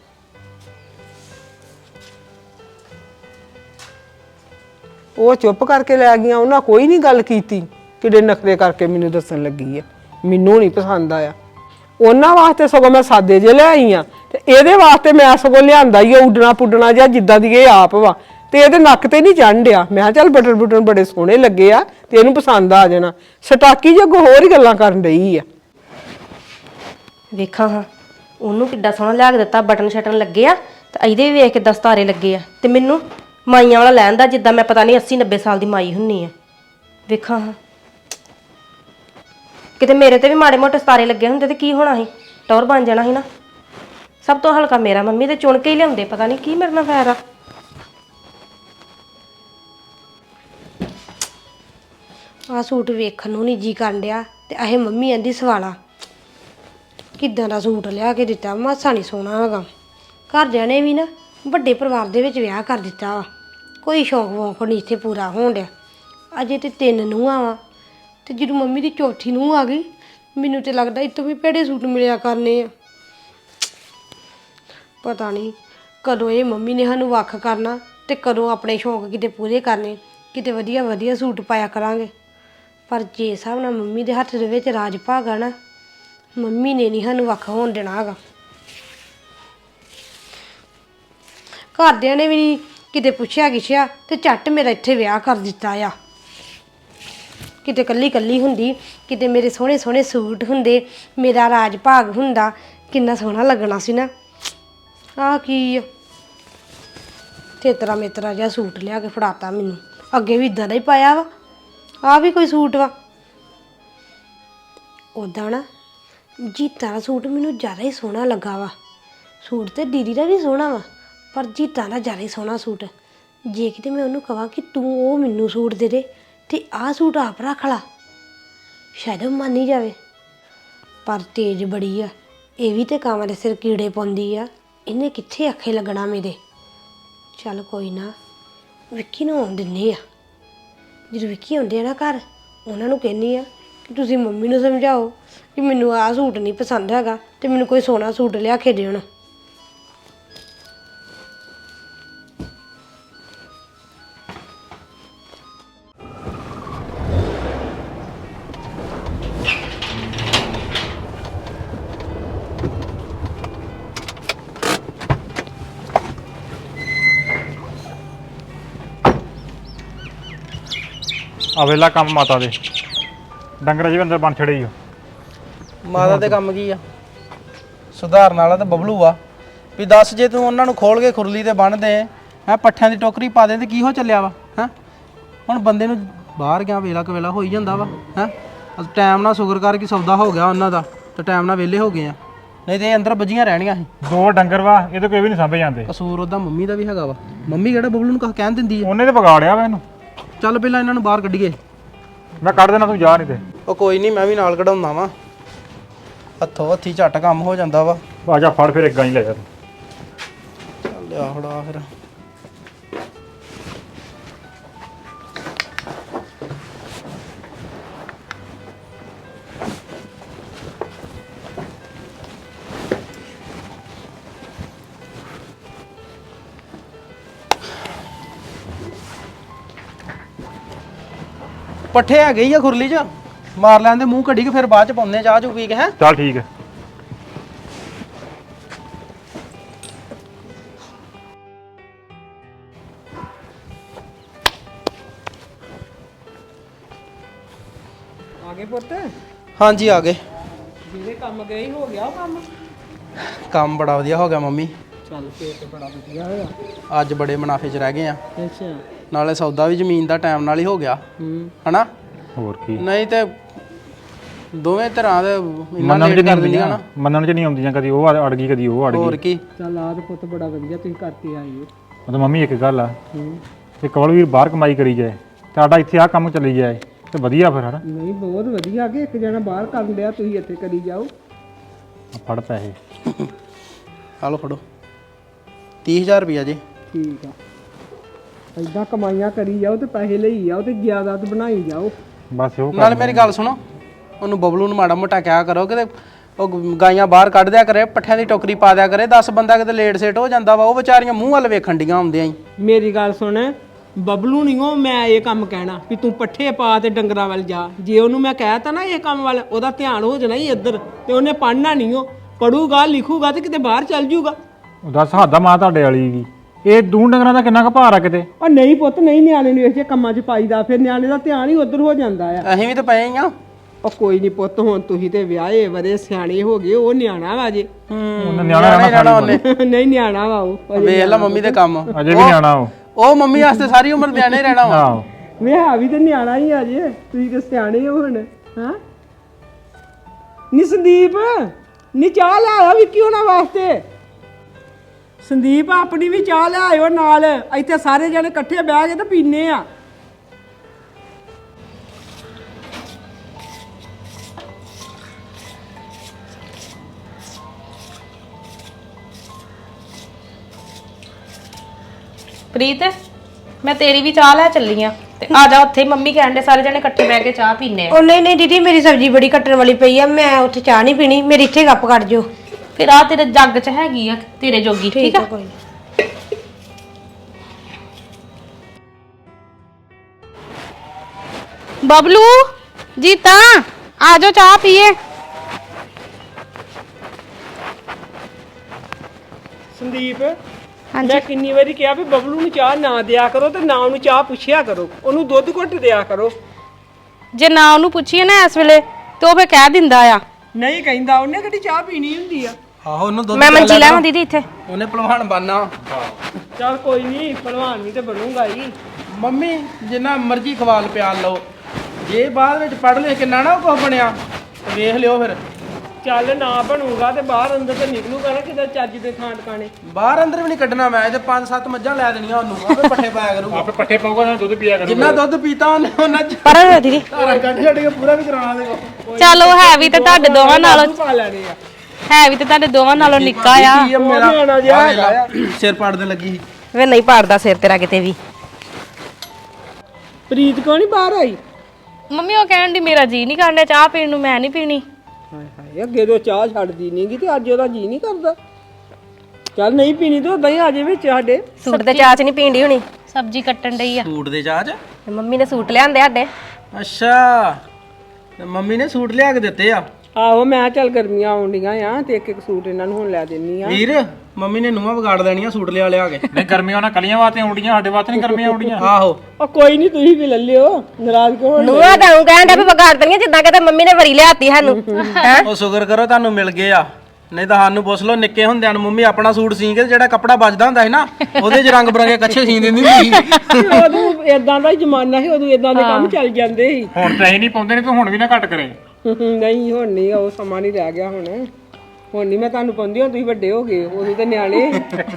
Speaker 2: ਉਹ ਚੁੱਪ ਕਰਕੇ ਲੈ ਗਈਆਂ, ਉਹਨਾਂ ਕੋਈ ਨਹੀਂ ਗੱਲ ਕੀਤੀ। ਕਿਹੜੇ ਨਖਰੇ ਕਰਕੇ ਮੈਨੂੰ ਦੱਸਣ ਲੱਗੀ ਆ ਮੈਨੂੰ ਨਹੀਂ ਪਸੰਦ ਆਇਆ। ਉਹਨਾਂ ਵਾਸਤੇ ਸਗੋਂ ਮੈਂ ਸਾਦੇ ਜੇ ਲੈ ਆਈ ਆ ਤੇ ਇਹਦੇ ਵਾਸਤੇ ਮੈਂ ਸਗੋਂ ਲਿਆਂਦਾ ਹੀ ਉੱਡਣਾ ਪੁੱਡਣਾ ਜਿਹਾ ਜਿੱਦਾਂ ਦੀ ਇਹ ਆਪ ਵਾ ਤੇ ਇਹਦੇ ਨੱਕ ਤੇ ਨਹੀਂ ਚੜ੍ਹਨ ਡਿਆ। ਮੈਂ ਕਿਹਾ ਚੱਲ ਬਟਨ ਬਟਨ ਬੜੇ ਸੋਹਣੇ ਲੱਗੇ ਆ ਤੇ ਇਹਨੂੰ ਪਸੰਦ ਆ ਜਾਣਾ। ਸਟਾਕੀ ਜੇ ਹੋਰ ਹੀ ਗੱਲਾਂ ਕਰਨ ਡਈ ਆ।
Speaker 4: ਵੇਖਾਂ ਹਾਂ ਉਹਨੂੰ ਕਿੱਡਾ ਸੋਹਣਾ ਲਿਆ ਕੇ ਦਿੱਤਾ। ਬਟਨ ਸ਼ਟਨ ਲੱਗੇ ਆ ਤੇ ਇਹਦੇ ਵੀ ਵੇਖ ਕੇ ਦਸਤਾਰੇ ਲੱਗੇ ਆ ਤੇ ਮੈਨੂੰ ਮਾਈਆਂ ਵਾਲਾ ਲੈਣ ਦਾ ਜਿੱਦਾਂ ਮੈਂ ਪਤਾ ਨਹੀਂ 80 90 ਸਾਲ ਦੀ ਮਾਈ ਹੁੰਨੀ ਆ। ਵੇਖਾਂ ਹਾਂ ਕਿਤੇ ਮੇਰੇ ਤੇ ਵੀ ਮਾੜੇ ਮੋਟੇ ਸਤਾਰੇ ਲੱਗੇ ਹੁੰਦੇ ਤੇ ਕੀ ਹੋਣਾ ਸੀ? ਟੌਰ ਬਣ ਜਾਣਾ ਸੀ ਨਾ। ਸਭ ਤੋਂ ਹਲਕਾ ਮੇਰਾ। ਮੰਮੀ ਤੇ ਚੁਣ ਕੇ ਹੀ ਲਿਆਉਂਦੇ, ਪਤਾ ਨਹੀਂ ਕੀ ਮੇਰੇ ਨਾਲ ਵੈਰ ਆ।
Speaker 5: ਆ ਸੂਟ ਵੇਖਣ ਨੂੰ ਨਹੀਂ ਜੀ ਕਰਨ ਡਿਆ ਤੇ ਆਹੇ ਮੰਮੀ ਆਂਦੀ ਸਵਾਲਾ। ਕਿੱਦਾਂ ਦਾ ਸੂਟ ਲਿਆ ਕੇ ਦਿੱਤਾ, ਮਾਸਾ ਨਹੀਂ ਸੋਹਣਾ ਹੈਗਾ। ਘਰਦਿਆਂ ਨੇ ਵੀ ਨਾ ਵੱਡੇ ਪਰਿਵਾਰ ਦੇ ਵਿੱਚ ਵਿਆਹ ਕਰ ਦਿੱਤਾ ਵਾ, ਕੋਈ ਸ਼ੌਂਕ ਵੌਂਕ ਨਹੀਂ ਇੱਥੇ ਪੂਰਾ ਹੋਣ ਡਿਆ। ਅਜੇ ਤੇ 3 ਨੂੰਹਾਂ ਵਾ ਤੇ ਜਦੋਂ ਮੰਮੀ ਦੀ ਚੌਥੀ ਨੂੰਹ ਆ ਗਈ, ਮੈਨੂੰ ਤੇ ਲੱਗਦਾ ਇਹ ਤੋਂ ਵੀ ਭੈੜੇ ਸੂਟ ਮਿਲਿਆ ਕਰਨੇ ਆ। ਪਤਾ ਨਹੀਂ ਕਦੋਂ ਇਹ ਮੰਮੀ ਨੇ ਸਾਨੂੰ ਵੱਖ ਕਰਨਾ ਤੇ ਕਦੋਂ ਆਪਣੇ ਸ਼ੌਂਕ ਕਿਤੇ ਪੂਰੇ ਕਰਨੇ, ਕਿਤੇ ਵਧੀਆ ਵਧੀਆ ਸੂਟ ਪਾਇਆ ਕਰਾਂਗੇ। ਪਰ ਜੇ ਹਿਸਾਬ ਨਾਲ ਮੰਮੀ ਦੇ ਹੱਥ ਦੇ ਵਿੱਚ ਰਾਜ ਭਾਗ ਆ ਨਾ, ਮੰਮੀ ਨੇ ਨਹੀਂ ਸਾਨੂੰ ਵੱਖ ਹੋਣ ਦੇਣਾ ਹੈਗਾ। ਘਰਦਿਆਂ ਨੇ ਵੀ ਨਹੀਂ ਕਿਤੇ ਪੁੱਛਿਆ ਗਿਛਿਆ ਤੇ ਝੱਟ ਮੇਰਾ ਇੱਥੇ ਵਿਆਹ ਕਰ ਦਿੱਤਾ ਆ। ਕਿਤੇ ਕੱਲੀ ਕੱਲੀ ਹੁੰਦੀ, ਕਿਤੇ ਮੇਰੇ ਸੋਹਣੇ ਸੋਹਣੇ ਸੂਟ ਹੁੰਦੇ, ਮੇਰਾ ਰਾਜ ਭਾਗ ਹੁੰਦਾ, ਕਿੰਨਾ ਸੋਹਣਾ ਲੱਗਣਾ ਸੀ ਨਾ। ਆਹ ਕੀ ਆ, ਤੇਤਰਾ ਮੇਤਰਾ ਜਿਹਾ ਸੂਟ ਲਿਆ ਕੇ ਫੜਾਤਾ ਮੈਨੂੰ। ਅੱਗੇ ਵੀ ਇਦਾਂ ਦਾ ਹੀ ਪਾਇਆ ਵਾ, ਆਹ ਵੀ ਕੋਈ ਸੂਟ ਵਾ। ਉੱਦਾਂ ਨਾ ਜੀਤਾਂ ਦਾ ਸੂਟ ਮੈਨੂੰ ਜ਼ਿਆਦਾ ਹੀ ਸੋਹਣਾ ਲੱਗਾ ਵਾ। ਸੂਟ ਤੇ ਦੀਦੀ ਦਾ ਵੀ ਸੋਹਣਾ ਵਾ, ਪਰ ਜੀਤਾਂ ਦਾ ਜ਼ਿਆਦਾ ਹੀ ਸੋਹਣਾ ਸੂਟ। ਜੇ ਕਿਤੇ ਮੈਂ ਉਹਨੂੰ ਕਹਾਂ ਕਿ ਤੂੰ ਉਹ ਮੈਨੂੰ ਸੂਟ ਦੇ ਦੇ ਤੇ ਆਹ ਸੂਟ ਆਪ ਰੱਖ ਲਾ, ਸ਼ਾਇਦ ਉਹ ਮੰਨ ਹੀ ਜਾਵੇ। ਪਰ ਤੇਜ਼ ਬੜੀ ਆ, ਇਹ ਵੀ ਤੇ ਕਾਂ ਦੇ ਸਿਰ ਕੀੜੇ ਪਾਉਂਦੀ ਆ, ਇਹਨੇ ਕਿੱਥੇ ਅੱਖੇ ਲੱਗਣਾ ਮੇਰੇ। ਚੱਲ ਕੋਈ ਨਾ, ਵਿੱਕੀ ਨੂੰ ਆਉਣ ਦਿੰਦੇ ਆ। ਜਦੋਂ ਵਿੱਕੀ ਆਉਂਦੇ ਆ ਨਾ ਘਰ, ਉਹਨਾਂ ਨੂੰ ਕਹਿੰਦੀ ਆ ਕਿ ਤੁਸੀਂ ਮੰਮੀ ਨੂੰ ਸਮਝਾਓ ਕਿ ਮੈਨੂੰ ਆਹ ਸੂਟ ਨਹੀਂ ਪਸੰਦ ਹੈਗਾ ਤੇ ਮੈਨੂੰ ਕੋਈ ਸੋਹਣਾ ਸੂਟ ਲਿਆ ਕੇ ਦੇਣ।
Speaker 3: ਆ ਵੇਲਾ ਕੰਮ ਮਾਤਾ ਦੇ ਡੰਗਰ ਜੀ ਅੰਦਰ ਬਣ ਛੜੇ ਹੀ
Speaker 6: ਮਾਤਾ ਦੇ ਕੰਮ ਕੀ ਆ? ਸੁਧਾਰਨ ਵਾਲਾ ਤਾਂ ਬਬਲੂ ਆ। ਵੀ ਦੱਸ, ਜੇ ਤੂੰ ਉਹਨਾਂ ਨੂੰ ਖੋਲ ਕੇ ਖੁਰਲੀ ਤੇ ਬੰਨ ਦੇ ਹੈ, ਪੱਠਿਆਂ ਦੀ ਟੋਕਰੀ ਪਾ ਦੇ ਤੇ ਕੀ ਹੋ ਚੱਲਿਆ ਵਾ ਹੈ? ਹੁਣ ਬੰਦੇ ਨੂੰ ਬਾਹਰ ਗਿਆ ਵੇਲਾ ਕਵੇਲਾ ਹੋ ਹੀ ਜਾਂਦਾ ਵਾ ਹੈ। ਟਾਈਮ ਨਾਲ ਸ਼ੁਕਰ ਕਰ ਕਿ ਸੌਦਾ ਹੋ ਗਿਆ ਉਹਨਾਂ ਦਾ ਤੇ ਟਾਈਮ ਨਾਲ ਵਿਹਲੇ ਹੋ ਗਏ ਆ, ਨਹੀਂ ਤੇ ਇਹ ਅੰਦਰ ਵੱਜੀਆਂ ਰਹਿਣੀਆਂ ਸੀ।
Speaker 3: 2 ਡੰਗਰ ਵਾ, ਇਹ ਤਾਂ ਕੋਈ ਵੀ ਨਹੀਂ ਸਾਂਭੇ ਜਾਂਦੇ।
Speaker 6: ਕਸੂਰ ਉਹਦਾ ਮੰਮੀ ਦਾ ਵੀ ਹੈਗਾ ਵਾ। ਮੰਮੀ ਕਿਹੜਾ ਬਬਲੂ ਨੂੰ ਕਹਿਣ ਦਿੰਦੀ ਆ?
Speaker 3: ਉਹਨੇ ਤੇ ਵਿਗਾੜਿਆ ਵਾ ਇਹਨੂੰ।
Speaker 6: ਚੱਲ ਪਹਿਲਾਂ ਇਹਨਾਂ ਨੂੰ ਬਾਹਰ ਕੱਢੀਏ।
Speaker 3: ਮੈਂ ਕੱਢ ਦੇਣਾ, ਤੂੰ ਜਾ ਨਹੀਂ ਤੇ।
Speaker 6: ਉਹ ਕੋਈ ਨਹੀਂ, ਮੈਂ ਵੀ ਨਾਲ ਕਢਾਉਂਦਾ ਵਾਂ। ਹੱਥੋਂ ਹੱਥੀ ਝੱਟ ਕੰਮ ਹੋ ਜਾਂਦਾ ਵਾ।
Speaker 3: ਆ ਜਾ ਫੜ ਫਿਰ ਇੱਕ ਗਾਂ ਹੀ ਲੈ ਜਾ ਤੂੰ।
Speaker 6: ਚੱਲ ਲਿਆ ਫੜਾ ਫਿਰ। ਪੱਠੇ ਹੈਗੇ ਹੀ ਆ ਖੁਰਲੀ 'ਚ, ਮਾਰ ਲੈਂਦੇ ਮੂੰਹ ਕੱਢੀ ਕੇ, ਫਿਰ ਬਾਅਦ 'ਚ ਪਾਉਂਦੇ ਚਾਹ ਚੂ ਪੀ ਕੇ। ਹੈ
Speaker 3: ਚੱਲ ਠੀਕ ਹੈ।
Speaker 2: ਆ ਗਏ ਪੁੱਤ?
Speaker 6: ਹਾਂਜੀ ਆ ਗਏ।
Speaker 2: ਜਿਹੜੇ ਕੰਮ ਗਏ ਸੀ, ਹੋ ਗਿਆ ਉਹ ਕੰਮ?
Speaker 6: ਕੰਮ ਬੜਾ ਵਧੀਆ ਹੋ ਗਿਆ ਮੰਮੀ।
Speaker 2: ਚੱਲ ਫੇਰ ਤੇ ਬੜਾ ਵਧੀਆ ਹੋਇਆ।
Speaker 6: ਅੱਜ ਬੜੇ ਮੁਨਾਫੇ 'ਚ ਰਹਿ ਗਏ ਆ।
Speaker 2: ਅੱਛਾ।
Speaker 6: ਨਾਲੇ ਸੌਦਾ ਵੀ ਜ਼ਮੀਨ ਦਾ ਟਾਈਮ ਨਾਲ ਹੀ ਹੋ ਗਿਆ ਹਨਾ।
Speaker 3: ਹੋਰ ਕੀ,
Speaker 6: ਨਹੀਂ ਤੇ ਦੋਵੇਂ ਤਰ੍ਹਾਂ ਦੇ ਇੰਨਾ
Speaker 3: ਮੰਨਣ ਚ
Speaker 6: ਲੇਟ
Speaker 3: ਨਹੀਂ
Speaker 6: ਕਰ ਦਿੰਦੀਆਂ ਨਾ।
Speaker 3: ਮੰਨਣ ਚ ਨਹੀਂ ਆਉਂਦੀਆਂ, ਕਦੀ ਉਹ ਅੜ ਗਈ ਕਦੀ ਉਹ ਅੜ
Speaker 6: ਹੋਰ
Speaker 3: ਗਈ।
Speaker 6: ਕੀ।
Speaker 2: ਚੱਲ ਆ ਤੇ ਪੁੱਤ ਬੜਾ ਵਧੀਆ ਤੁਸੀਂ ਕਰਕੇ ਆਏ ਹੋ।
Speaker 3: ਉਹ ਤਾਂ ਮੰਮੀ ਇੱਕ ਗੱਲ ਆ, ਤੇ ਕਵਲ ਵੀਰ ਬਾਹਰ ਕਮਾਈ ਕਰੀ ਜਾਏ, ਸਾਡਾ ਇੱਥੇ ਆਹ ਕੰਮ ਚੱਲੀ ਜਾਏ ਤੇ ਵਧੀਆ ਫਿਰ ਹਨਾ।
Speaker 2: ਨਹੀਂ ਬਹੁਤ ਵਧੀਆ ਕਿ ਇੱਕ ਜਣਾ ਬਾਹਰ ਕਰਨ ਡਿਆ, ਤੁਸੀਂ ਇੱਥੇ ਕਰੀ ਜਾਓ।
Speaker 3: ਫੜ ਪੈਸੇ।
Speaker 6: ਆ ਲਓ ਫੜੋ 30,000 ਰੁਪਇਆ ਜੀ।
Speaker 2: ਠੀਕ ਆ, ਏਦਾਂ ਕਮਾਈਆਂ ਕਰੀ ਜਾਓ ਤੇ ਪੈਸੇ ਲਈ ਜਾਓ ਤੇ ਜ਼ਿਆਦਾ ਤੇ ਬਣਾਈ ਜਾਓ।
Speaker 3: ਬਸ ਉਹ
Speaker 6: ਨਾਲੇ ਮੇਰੀ ਗੱਲ ਸੁਣੋ, ਉਹਨੂੰ ਬਬਲੂ ਨੂੰ ਮਾੜਾ ਮੋਟਾ ਕਿਹਾ ਕਰੋ ਕਿ ਉਹ ਗਾਈਆਂ ਬਾਹਰ ਕੱਢ ਦਿਆ ਕਰੇ, ਪੱਠਿਆਂ ਦੀ ਟੋਕਰੀ ਪਾ ਦਿਆ ਕਰੇ। 10 ਬੰਦਾ ਕਿਤੇ ਲੇਟ ਸੇਟ ਹੋ ਜਾਂਦਾ ਵਾ, ਉਹ ਵਿਚਾਰੀਆਂ ਮੂੰਹ ਵੱਲ ਵੇਖਣ ਡੀਆਂ ਆਉਂਦੀਆਂ ਹੀ।
Speaker 2: ਮੇਰੀ ਗੱਲ ਸੁਣ, ਬਬਲੂ ਨਹੀਂ ਉਹ ਮੈਂ ਇਹ ਕੰਮ ਕਹਿਣਾ ਵੀ ਤੂੰ ਪੱਠੇ ਪਾ ਤੇ ਡੰਗਰਾਂ ਵੱਲ ਜਾ। ਜੇ ਉਹਨੂੰ ਮੈਂ ਕਹਿਤਾ ਨਾ ਇਹ ਕੰਮ ਵੱਲ, ਉਹਦਾ ਧਿਆਨ ਹੋ ਜਾਣਾ ਹੀ ਇੱਧਰ ਤੇ ਉਹਨੇ ਪੜ੍ਹਨਾ ਨਹੀਂ। ਉਹ ਪੜੂਗਾ ਲਿਖੂਗਾ ਤੇ ਕਿਤੇ ਬਾਹਰ ਚੱਲ ਜੂਗਾ।
Speaker 3: ਦੱਸ ਹੱਦ ਆ ਮਾਂ ਤੁਹਾਡੇ ਵਾਲੀ ਵੀ। ਇਹ ਦੂਣ ਡੰਗਰਾਂ ਦਾ ਕਿੰਨਾ ਕੁ ਭਾਰ ਆ ਕਿਤੇ।
Speaker 2: ਉਹ ਨਹੀਂ ਪੁੱਤ ਨਹੀਂ, ਨਿਆਣੇ ਨੂੰ ਇਹ ਕੰਮਾਂ 'ਚ ਪਾਈਦਾ, ਫਿਰ ਨਿਆਣੇ ਦਾ ਧਿਆਨ ਹੀ ਉੱਧਰ ਹੋ ਜਾਂਦਾ ਆ।
Speaker 6: ਅਸੀਂ ਵੀ ਤਾਂ ਪਏ ਹੀ ਆ।
Speaker 2: ਉਹ ਕੋਈ ਨਹੀਂ ਪੁੱਤ, ਹੁਣ ਤੁਸੀਂ ਤੇ ਵਿਆਹੇ ਵਰੇ ਸਿਆਣੇ ਹੋ ਗਏ, ਉਹ ਨਿਆਣਾ ਵਾ ਜੇ।
Speaker 3: ਉਹਨੇ ਨਿਆਣਾ ਰਹਿਣਾ
Speaker 6: ਉਹਨੇ।
Speaker 2: ਨਹੀਂ ਨਿਆਣਾ ਵਾ ਉਹ।
Speaker 6: ਵੇਖ ਲੈ ਮੰਮੀ ਦੇ ਕੰਮ।
Speaker 3: ਅਜੇ ਵੀ ਨਿਆਣਾ
Speaker 6: ਉਹ ਮੰਮੀ ਵਾਸਤੇ ਸਾਰੀ ਉਮਰ ਨਿਆਣਾ ਹੀ ਰਹਿਣਾ ਵਾ।
Speaker 3: ਆਹੋ
Speaker 2: ਵੇ ਹੈ ਵੀ ਤੇ ਨਿਆਣਾ ਹੀ ਆ ਜੇ, ਤੁਸੀਂ ਤੇ ਸਿਆਣੇ ਹੋ ਹੁਣ। ਹਾਂ ਨੀ ਸੰਦੀਪ, ਨੀ ਚਾਹ ਲਿਆਇਆ ਵਿੱਕੀ ਹੋਣਾ ਵਾਸਤੇ। ਸੰਦੀਪ ਆਪਣੀ ਵੀ ਚਾਹ ਲੈ ਆਇਓ ਨਾਲ, ਇੱਥੇ ਸਾਰੇ ਜਣੇ ਇਕੱਠੇ ਬਹਿ ਕੇ ਤੇ ਪੀਨੇ ਆ।
Speaker 1: ਪ੍ਰੀਤ ਮੈਂ ਤੇਰੀ ਵੀ ਚਾਹ ਲੈ ਚੱਲੀ ਆ ਤੇ ਆ ਜਾ ਉੱਥੇ ਹੀ ਮੰਮੀ ਕਹਿੰਦੇ ਸਾਰੇ ਜਣੇ ਇਕੱਠੇ ਬਹਿ ਕੇ ਚਾਹ ਪੀਨੇ ਆ।
Speaker 5: ਉਹ ਨਹੀਂ ਨਹੀਂ ਦੀਦੀ, ਮੇਰੀ ਸਬਜ਼ੀ ਬੜੀ ਕੱਟਣ ਵਾਲੀ ਪਈ ਆ, ਮੈਂ ਉੱਥੇ ਚਾਹ ਨਹੀਂ ਪੀਣੀ, ਮੇਰੀ ਇੱਥੇ ਗੱਪ ਕੱਢ ਜਿਓ।
Speaker 1: ਫਿਰ ਆ ਤੇਰੇ ਜੱਗ 'ਚ ਹੈਗੀ ਆ ਤੇਰੇ ਜੋਗੀ, ਠੀਕ ਆ।
Speaker 5: ਕੋਈ ਨੀ।
Speaker 1: ਬਬਲੂ ਜੀਤਾ ਆ ਜਾਓ ਚਾਹ ਪੀਏ।
Speaker 2: ਸੰਦੀਪ ਮੈਂ ਕਿੰਨੀ ਵਾਰੀ ਕਿਹਾ ਵੀ ਬਬਲੂ ਨੂੰ ਚਾਹ ਨਾ ਦਿਆ ਕਰੋ ਤੇ ਨਾ ਉਹਨੂੰ ਚਾਹ ਪੁੱਛਿਆ ਕਰੋ, ਉਹਨੂੰ ਦੁੱਧ ਘੁੱਟ ਦਿਆ ਕਰੋ।
Speaker 1: ਜੇ ਨਾ ਉਹਨੂੰ ਪੁੱਛੀਏ ਨਾ ਇਸ ਵੇਲੇ ਤੇ ਉਹ ਫੇ ਕਹਿ ਦਿੰਦਾ ਆ।
Speaker 2: ਨਹੀਂ ਕਹਿੰਦਾ, ਉਹਨੇ ਕਿਹੜੀ ਚਾਹ ਪੀਣੀ ਹੁੰਦੀ ਆ।
Speaker 6: ਆਹੋ ਉਹਨੂੰ ਦੁੱਧ
Speaker 4: ਮੈਂ ਮੰਜੀ ਲਾਵਾਂ ਦੀਦੀ ਇੱਥੇ।
Speaker 6: ਉਹਨੇ ਭਲਵਾਨ ਬਣਨਾ।
Speaker 2: ਚੱਲ ਕੋਈ ਨਹੀਂ, ਭਲਵਾਨ ਵੀ ਤੇ ਬਣੂਗਾ ਹੀ।
Speaker 6: ਮੰਮੀ ਜਿੰਨਾ ਮਰਜ਼ੀ ਖਵਾਲ ਪਿਆਲ ਲਓ, ਜੇ ਬਾਅਦ ਵਿੱਚ ਪੜ੍ਹ ਲਿਖ ਕੇ ਨਾ ਉਹ ਕੁਛ ਬਣਿਆ ਤੇ ਵੇਖ ਲਿਓ ਫਿਰ।
Speaker 2: ਚੱਲ ਨਾ ਬਣੂਗਾ ਤੇ ਬਾਹਰ ਅੰਦਰ ਤੇ ਨਿਕਲੂਗਾ ਨਾ ਕਿਤੇ ਚੱਜ ਦੇ ਥਾਂ ਟਿਕਾਣੇ।
Speaker 6: ਬਾਹਰ ਅੰਦਰ ਵੀ ਨਹੀਂ ਕੱਢਣਾ ਮੈਂ, ਇਹਦੇ 5-7 ਮੱਝਾਂ ਲੈ ਦੇਣੀਆਂ ਉਹਨੂੰ, ਆਪੇ ਪੱਠੇ ਪਾਇਆ ਕਰੂਗਾ।
Speaker 3: ਆਪੇ ਪੱਠੇ ਪਾਊਗਾ ਨਾ ਦੁੱਧ ਪੀਆ ਕਰੂਗਾ।
Speaker 6: ਜਿੰਨਾ ਦੁੱਧ ਪੀਤਾ ਉਹਨੇ ਉਹਨਾਂ ਚ
Speaker 4: ਪਰ ਦੀਦੀ
Speaker 6: ਧਾਰਾਂ ਕੱਢ ਛੱਡ ਕੇ ਪੂਰਾ ਵੀ ਕਰਾਉਣਾ ਦੇਖੋ।
Speaker 1: ਚਲ ਉਹ ਹੈ ਵੀ ਤੇ ਤੁਹਾਡੇ ਦੋਵਾਂ ਨਾਲੋਂ
Speaker 2: ਪਾ ਲੈਣੇ ਆ।
Speaker 1: ਹੈ ਵੀ ਤੇ ਤੁਹਾਡੇ ਦੋਵਾਂ ਨਾਲੋਂ ਨਿੱਕਾ ਆ।
Speaker 6: ਕੀ ਆ ਮੇਰਾ
Speaker 2: ਨਿਆਣਾ ਜਿਹਾ ਹੈਗਾ ਆ।
Speaker 6: ਸਿਰ ਪਾੜਨ ਲੱਗੀ ਸੀ।
Speaker 4: ਵੇ ਨਹੀਂ ਪਾੜਦਾ ਸਿਰ ਤੇਰਾ ਕਿਤੇ ਵੀ।
Speaker 2: ਪ੍ਰੀਤ ਕਿਉਂ ਨਹੀਂ ਬਾਹਰ ਆਈ?
Speaker 1: ਮੰਮੀ ਉਹ ਕਹਿਣ ਦੀ ਮੇਰਾ ਜੀ ਨਹੀਂ ਕਰਦਾ ਚਾਹ ਪੀਣ ਨੂੰ, ਮੈਂ ਨਹੀਂ ਪੀਣੀ।
Speaker 2: ਹਾਏ ਹਾਏ, ਅੱਗੇ ਤੋਂ ਚਾਹ ਛੱਡਦੀ ਨਹੀਂਗੀ ਤੇ ਅੱਜ ਉਹਦਾ ਜੀ ਨਹੀਂ ਕਰਦਾ। ਚੱਲ ਨਹੀਂ ਪੀਣੀ ਤੇ ਉਦਾਂ ਹੀ ਆ ਜਾਵੇ ਸਾਡੇ।
Speaker 4: ਸੂਟ ਦੇ ਚਾਹ ਚ ਨਹੀਂ ਪੀਂਦੀ ਹੋਣੀ।
Speaker 1: ਸਬਜ਼ੀ ਕੱਟਣ ਡਈ ਆ।
Speaker 6: ਸੂਟ ਦੇ ਚਾਹ ਚ?
Speaker 4: ਤੇ ਮੰਮੀ ਨੇ ਸੂਟ ਲਿਆਂਦੇ ਸਾਡੇ।
Speaker 6: ਅੱਛਾ, ਤੇ ਮੰਮੀ ਨੇ ਸੂਟ ਲਿਆ ਕੇ ਦਿੱਤੇ ਆ।
Speaker 2: ਆਹੋ ਮੈਂ ਚੱਲ ਗਰਮੀਆਂ ਆਉਂਦੀਆਂ ਆ ਤੇ ਇੱਕ ਇੱਕ ਸੂਟ ਇਹਨਾਂ ਨੂੰ ਹੁਣ ਲੈ ਦਿੰਨੀ ਆ।
Speaker 6: ਵੀਰ ਮੰਮੀ ਨੇ ਨੂੰਹਾਂ ਵਿਗਾੜ ਦੇਣੀਆਂ ਸੂਟ ਲਿਆ ਲਿਆ ਕੇ।
Speaker 3: ਨਹੀਂ ਗਰਮੀਆਂ ਉਹਨਾਂ ਕਲੀਆਂ ਵਾਸਤੇ ਆਉਂਦੀਆਂ, ਸਾਡੇ ਵਾਸਤੇ ਨਹੀਂ ਗਰਮੀਆਂ ਆਉਂਦੀਆਂ।
Speaker 6: ਆਹੋ
Speaker 2: ਉਹ ਕੋਈ ਨਹੀਂ, ਤੁਸੀਂ ਵੀ ਲੈ ਲਿਓ, ਨਾਰਾਜ਼ ਕਿਉਂ ਹੋਣ?
Speaker 4: ਨੂੰਹਾਂ ਤਾਂ ਉਹ ਕਹਿੰਦਾ ਵੀ ਵਿਗਾੜ ਦੇਣੀਆਂ ਜਿੱਦਾਂ ਕਿਤੇ ਮੰਮੀ ਨੇ ਵਰੀ ਲਿਆਤੀ ਸਾਨੂੰ। ਹੈ
Speaker 6: ਉਹ ਸ਼ੁਕਰ ਕਰੋ ਤੁਹਾਨੂੰ ਮਿਲ ਗਏ ਆ, ਨਹੀਂ ਤਾਂ ਸਾਨੂੰ ਪੁੱਛ ਲਓ ਨਿੱਕੇ ਹੁੰਦਿਆਂ ਨੂੰ ਮੰਮੀ ਆਪਣਾ ਸੂਟ ਸੀ ਕੇ ਜਿਹੜਾ ਕੱਪੜਾ ਬਚਦਾ ਹੁੰਦਾ ਸੀ ਨਾ ਉਹਦੇ 'ਚ ਰੰਗ ਬਰੰਗੇ ਕੱਛੇ ਸੀ ਦਿੰਦੀ ਹੁੰਦੀ ਸੀ।
Speaker 2: ਉਦੋਂ ਏਦਾਂ ਦਾ ਹੀ ਜ਼ਮਾਨਾ ਸੀ, ਉਦੋਂ ਏਦਾਂ ਦੇ ਕੰਮ ਚੱਲ ਜਾਂਦੇ ਸੀ।
Speaker 3: ਹੁਣ ਤਾਂ ਅਸੀਂ ਨਹੀਂ ਪਾਉਂਦੇ, ਨਹੀਂ ਤੂੰ ਹੁਣ ਵੀ ਨਾ ਘੱਟ ਕਰੇ।
Speaker 2: ਨਹੀਂ ਹੁਣ ਨਹੀਂ, ਉਹ ਸਮਾਂ ਨਹੀਂ ਰਹਿ ਗਿਆ। ਹੁਣ ਨਹੀਂ ਮੈਂ ਤੁਹਾਨੂੰ ਪਾਉਂਦੀ, ਹੁਣ ਤੁਸੀਂ ਵੱਡੇ ਹੋ ਗਏ, ਉਦੋਂ ਤੇ ਨਿਆਣੇ।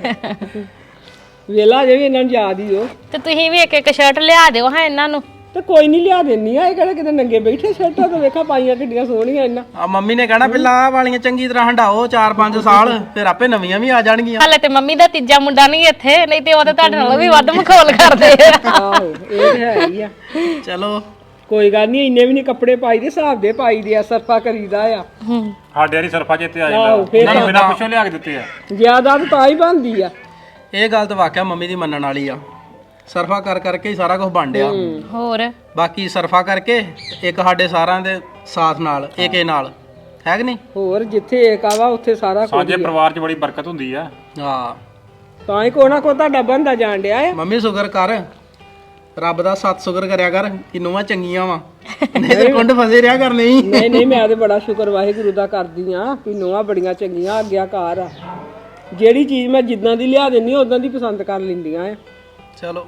Speaker 2: ਵੇਲਾ ਜੇ ਵੀ ਇਹਨਾਂ ਨੂੰ ਯਾਦ ਹੀ ਹੋ।
Speaker 1: ਤੇ ਤੁਸੀਂ ਵੀ ਇੱਕ ਇੱਕ ਸ਼ਰਟ ਲਿਆ ਦਿਓ ਹਾਂ ਇਹਨਾਂ ਨੂੰ।
Speaker 2: ਤੇ ਕੋਈ ਨਹੀਂ ਲਿਆ ਦਿੰਨੀ ਆ, ਇਹ ਕਿਹੜਾ ਕਿਤੇ ਨੰਗੇ ਬੈਠੇ ਸ਼ਰਟਾਂ ਤਾਂ ਵੇਖਾ ਪਾਈਆਂ ਕਿੱਡੀਆਂ ਸੋਹਣੀਆਂ ਇਹਨਾਂ।
Speaker 6: ਆ ਮੰਮੀ ਨੇ ਕਹਿਣਾ ਪਹਿਲਾਂ ਆਹ ਵਾਲੀਆਂ ਚੰਗੀ ਤਰ੍ਹਾਂ ਹੰਡਾਓ 4-5 ਸਾਲ, ਫਿਰ ਆਪੇ ਨਵੀਆਂ ਵੀ ਆ ਜਾਣਗੀਆਂ।
Speaker 1: ਹਾਲੇ ਤੇ ਮੰਮੀ ਦਾ ਤੀਜਾ ਮੁੰਡਾ ਨਹੀਂ ਇੱਥੇ, ਨਹੀਂ ਤੇ ਉਹ ਤੇ ਤੁਹਾਡੇ ਨਾਲੋਂ ਵੀ ਵੱਧ ਮਖੌਲ ਕਰਦੇ ਆ।
Speaker 2: ਆਹੋ ਇਹ ਤੇ ਹੈ ਹੀ ਆ।
Speaker 6: ਚਲੋ
Speaker 2: ਕੋਈ ਗੱਲ ਨਹੀਂ, ਇੰਨੇ ਵੀ ਨਹੀਂ ਕੱਪੜੇ ਪਾਈ ਦੇ, ਹਿਸਾਬ ਦੇ ਪਾਈ ਦੇ ਆ, ਸਰਫਾ ਕਰੀਦਾ ਆ।
Speaker 3: ਸਾਡੇ ਵਾਲੀ ਸਰਫਾ ਜਿੱਤੇ ਆ
Speaker 2: ਆਹੋ,
Speaker 3: ਜਾਂਦਾ,
Speaker 2: ਫਿਰ
Speaker 3: ਉਹਨਾਂ ਨੂੰ ਬਿਨਾਂ ਪੁੱਛੋ ਲਿਆ ਕੇ ਦਿੱਤੇ ਆ।
Speaker 2: ਜ਼ਿਆਦਾ ਤਾਂ ਹੀ ਬਣਦੀ ਆ।
Speaker 6: ਇਹ ਗੱਲ ਤਾਂ ਵਾਕਿਆ ਮੰਮੀ ਦੀ ਮੰਨਣ ਵਾਲੀ ਆ, ਸਰਫਾ ਕਰ ਕਰਕੇ ਹੀ ਸਾਰਾ ਕੁਝ ਬਣ ਡਿਆ।
Speaker 1: ਹੋਰ
Speaker 6: ਬਾਕੀ ਸਰਫਾ ਕਰਕੇ ਇੱਕ ਸਾਡੇ ਸਾਰਿਆਂ ਦੇ ਸਾਥ ਨਾਲ ਏਕੇ ਨਾਲ ਹੈ ਕਿ ਨਹੀਂ?
Speaker 2: ਹੋਰ ਜਿੱਥੇ ਏਕ ਆਵਾ ਉੱਥੇ ਸਾਰਾ ਕੁਝ।
Speaker 3: ਸਾਂਝੇ ਪਰਿਵਾਰ 'ਚ ਬੜੀ ਬਰਕਤ ਹੁੰਦੀ ਆ।
Speaker 6: ਹਾਂ
Speaker 2: ਤਾਂ ਹੀ ਕੋ ਨਾ ਕੋ ਤੁਹਾਡਾ ਬੰਦਾ ਜਾਣ ਡਿਆ ਆ।
Speaker 6: ਮੰਮੀ ਸ਼ੁਕਰ ਕਰ, ਰੱਬ ਦਾ ਸਤ ਸ਼ੁਕਰ ਕਰਿਆ ਕਰ ਕਿ ਨੂੰਹਾਂ ਚੰਗੀਆਂ ਵਾ, ਨਹੀਂ ਤੇ ਕੁੰਡ ਫਸੇ ਰਿਹਾ ਕਰਨੇ ਹੀ।
Speaker 2: ਨਹੀਂ ਨਹੀਂ, ਮੈਂ ਤੇ ਬੜਾ ਸ਼ੁਕਰ ਵਾਹਿਗੁਰੂ ਦਾ ਕਰਦੀ ਆ ਕਿ ਨੂੰਹਾਂ ਬੜੀਆਂ ਚੰਗੀਆਂ, ਆਗਿਆਕਾਰ ਆ। ਜਿਹੜੀ ਚੀਜ਼ ਮੈਂ ਜਿੱਦਾਂ ਦੀ ਲਿਆ ਦਿੰਨੀ ਉਦਾਂ ਦੀ ਪਸੰਦ ਕਰ ਲੈਂਦੀਆਂ ਆ।
Speaker 6: ਚਲੋ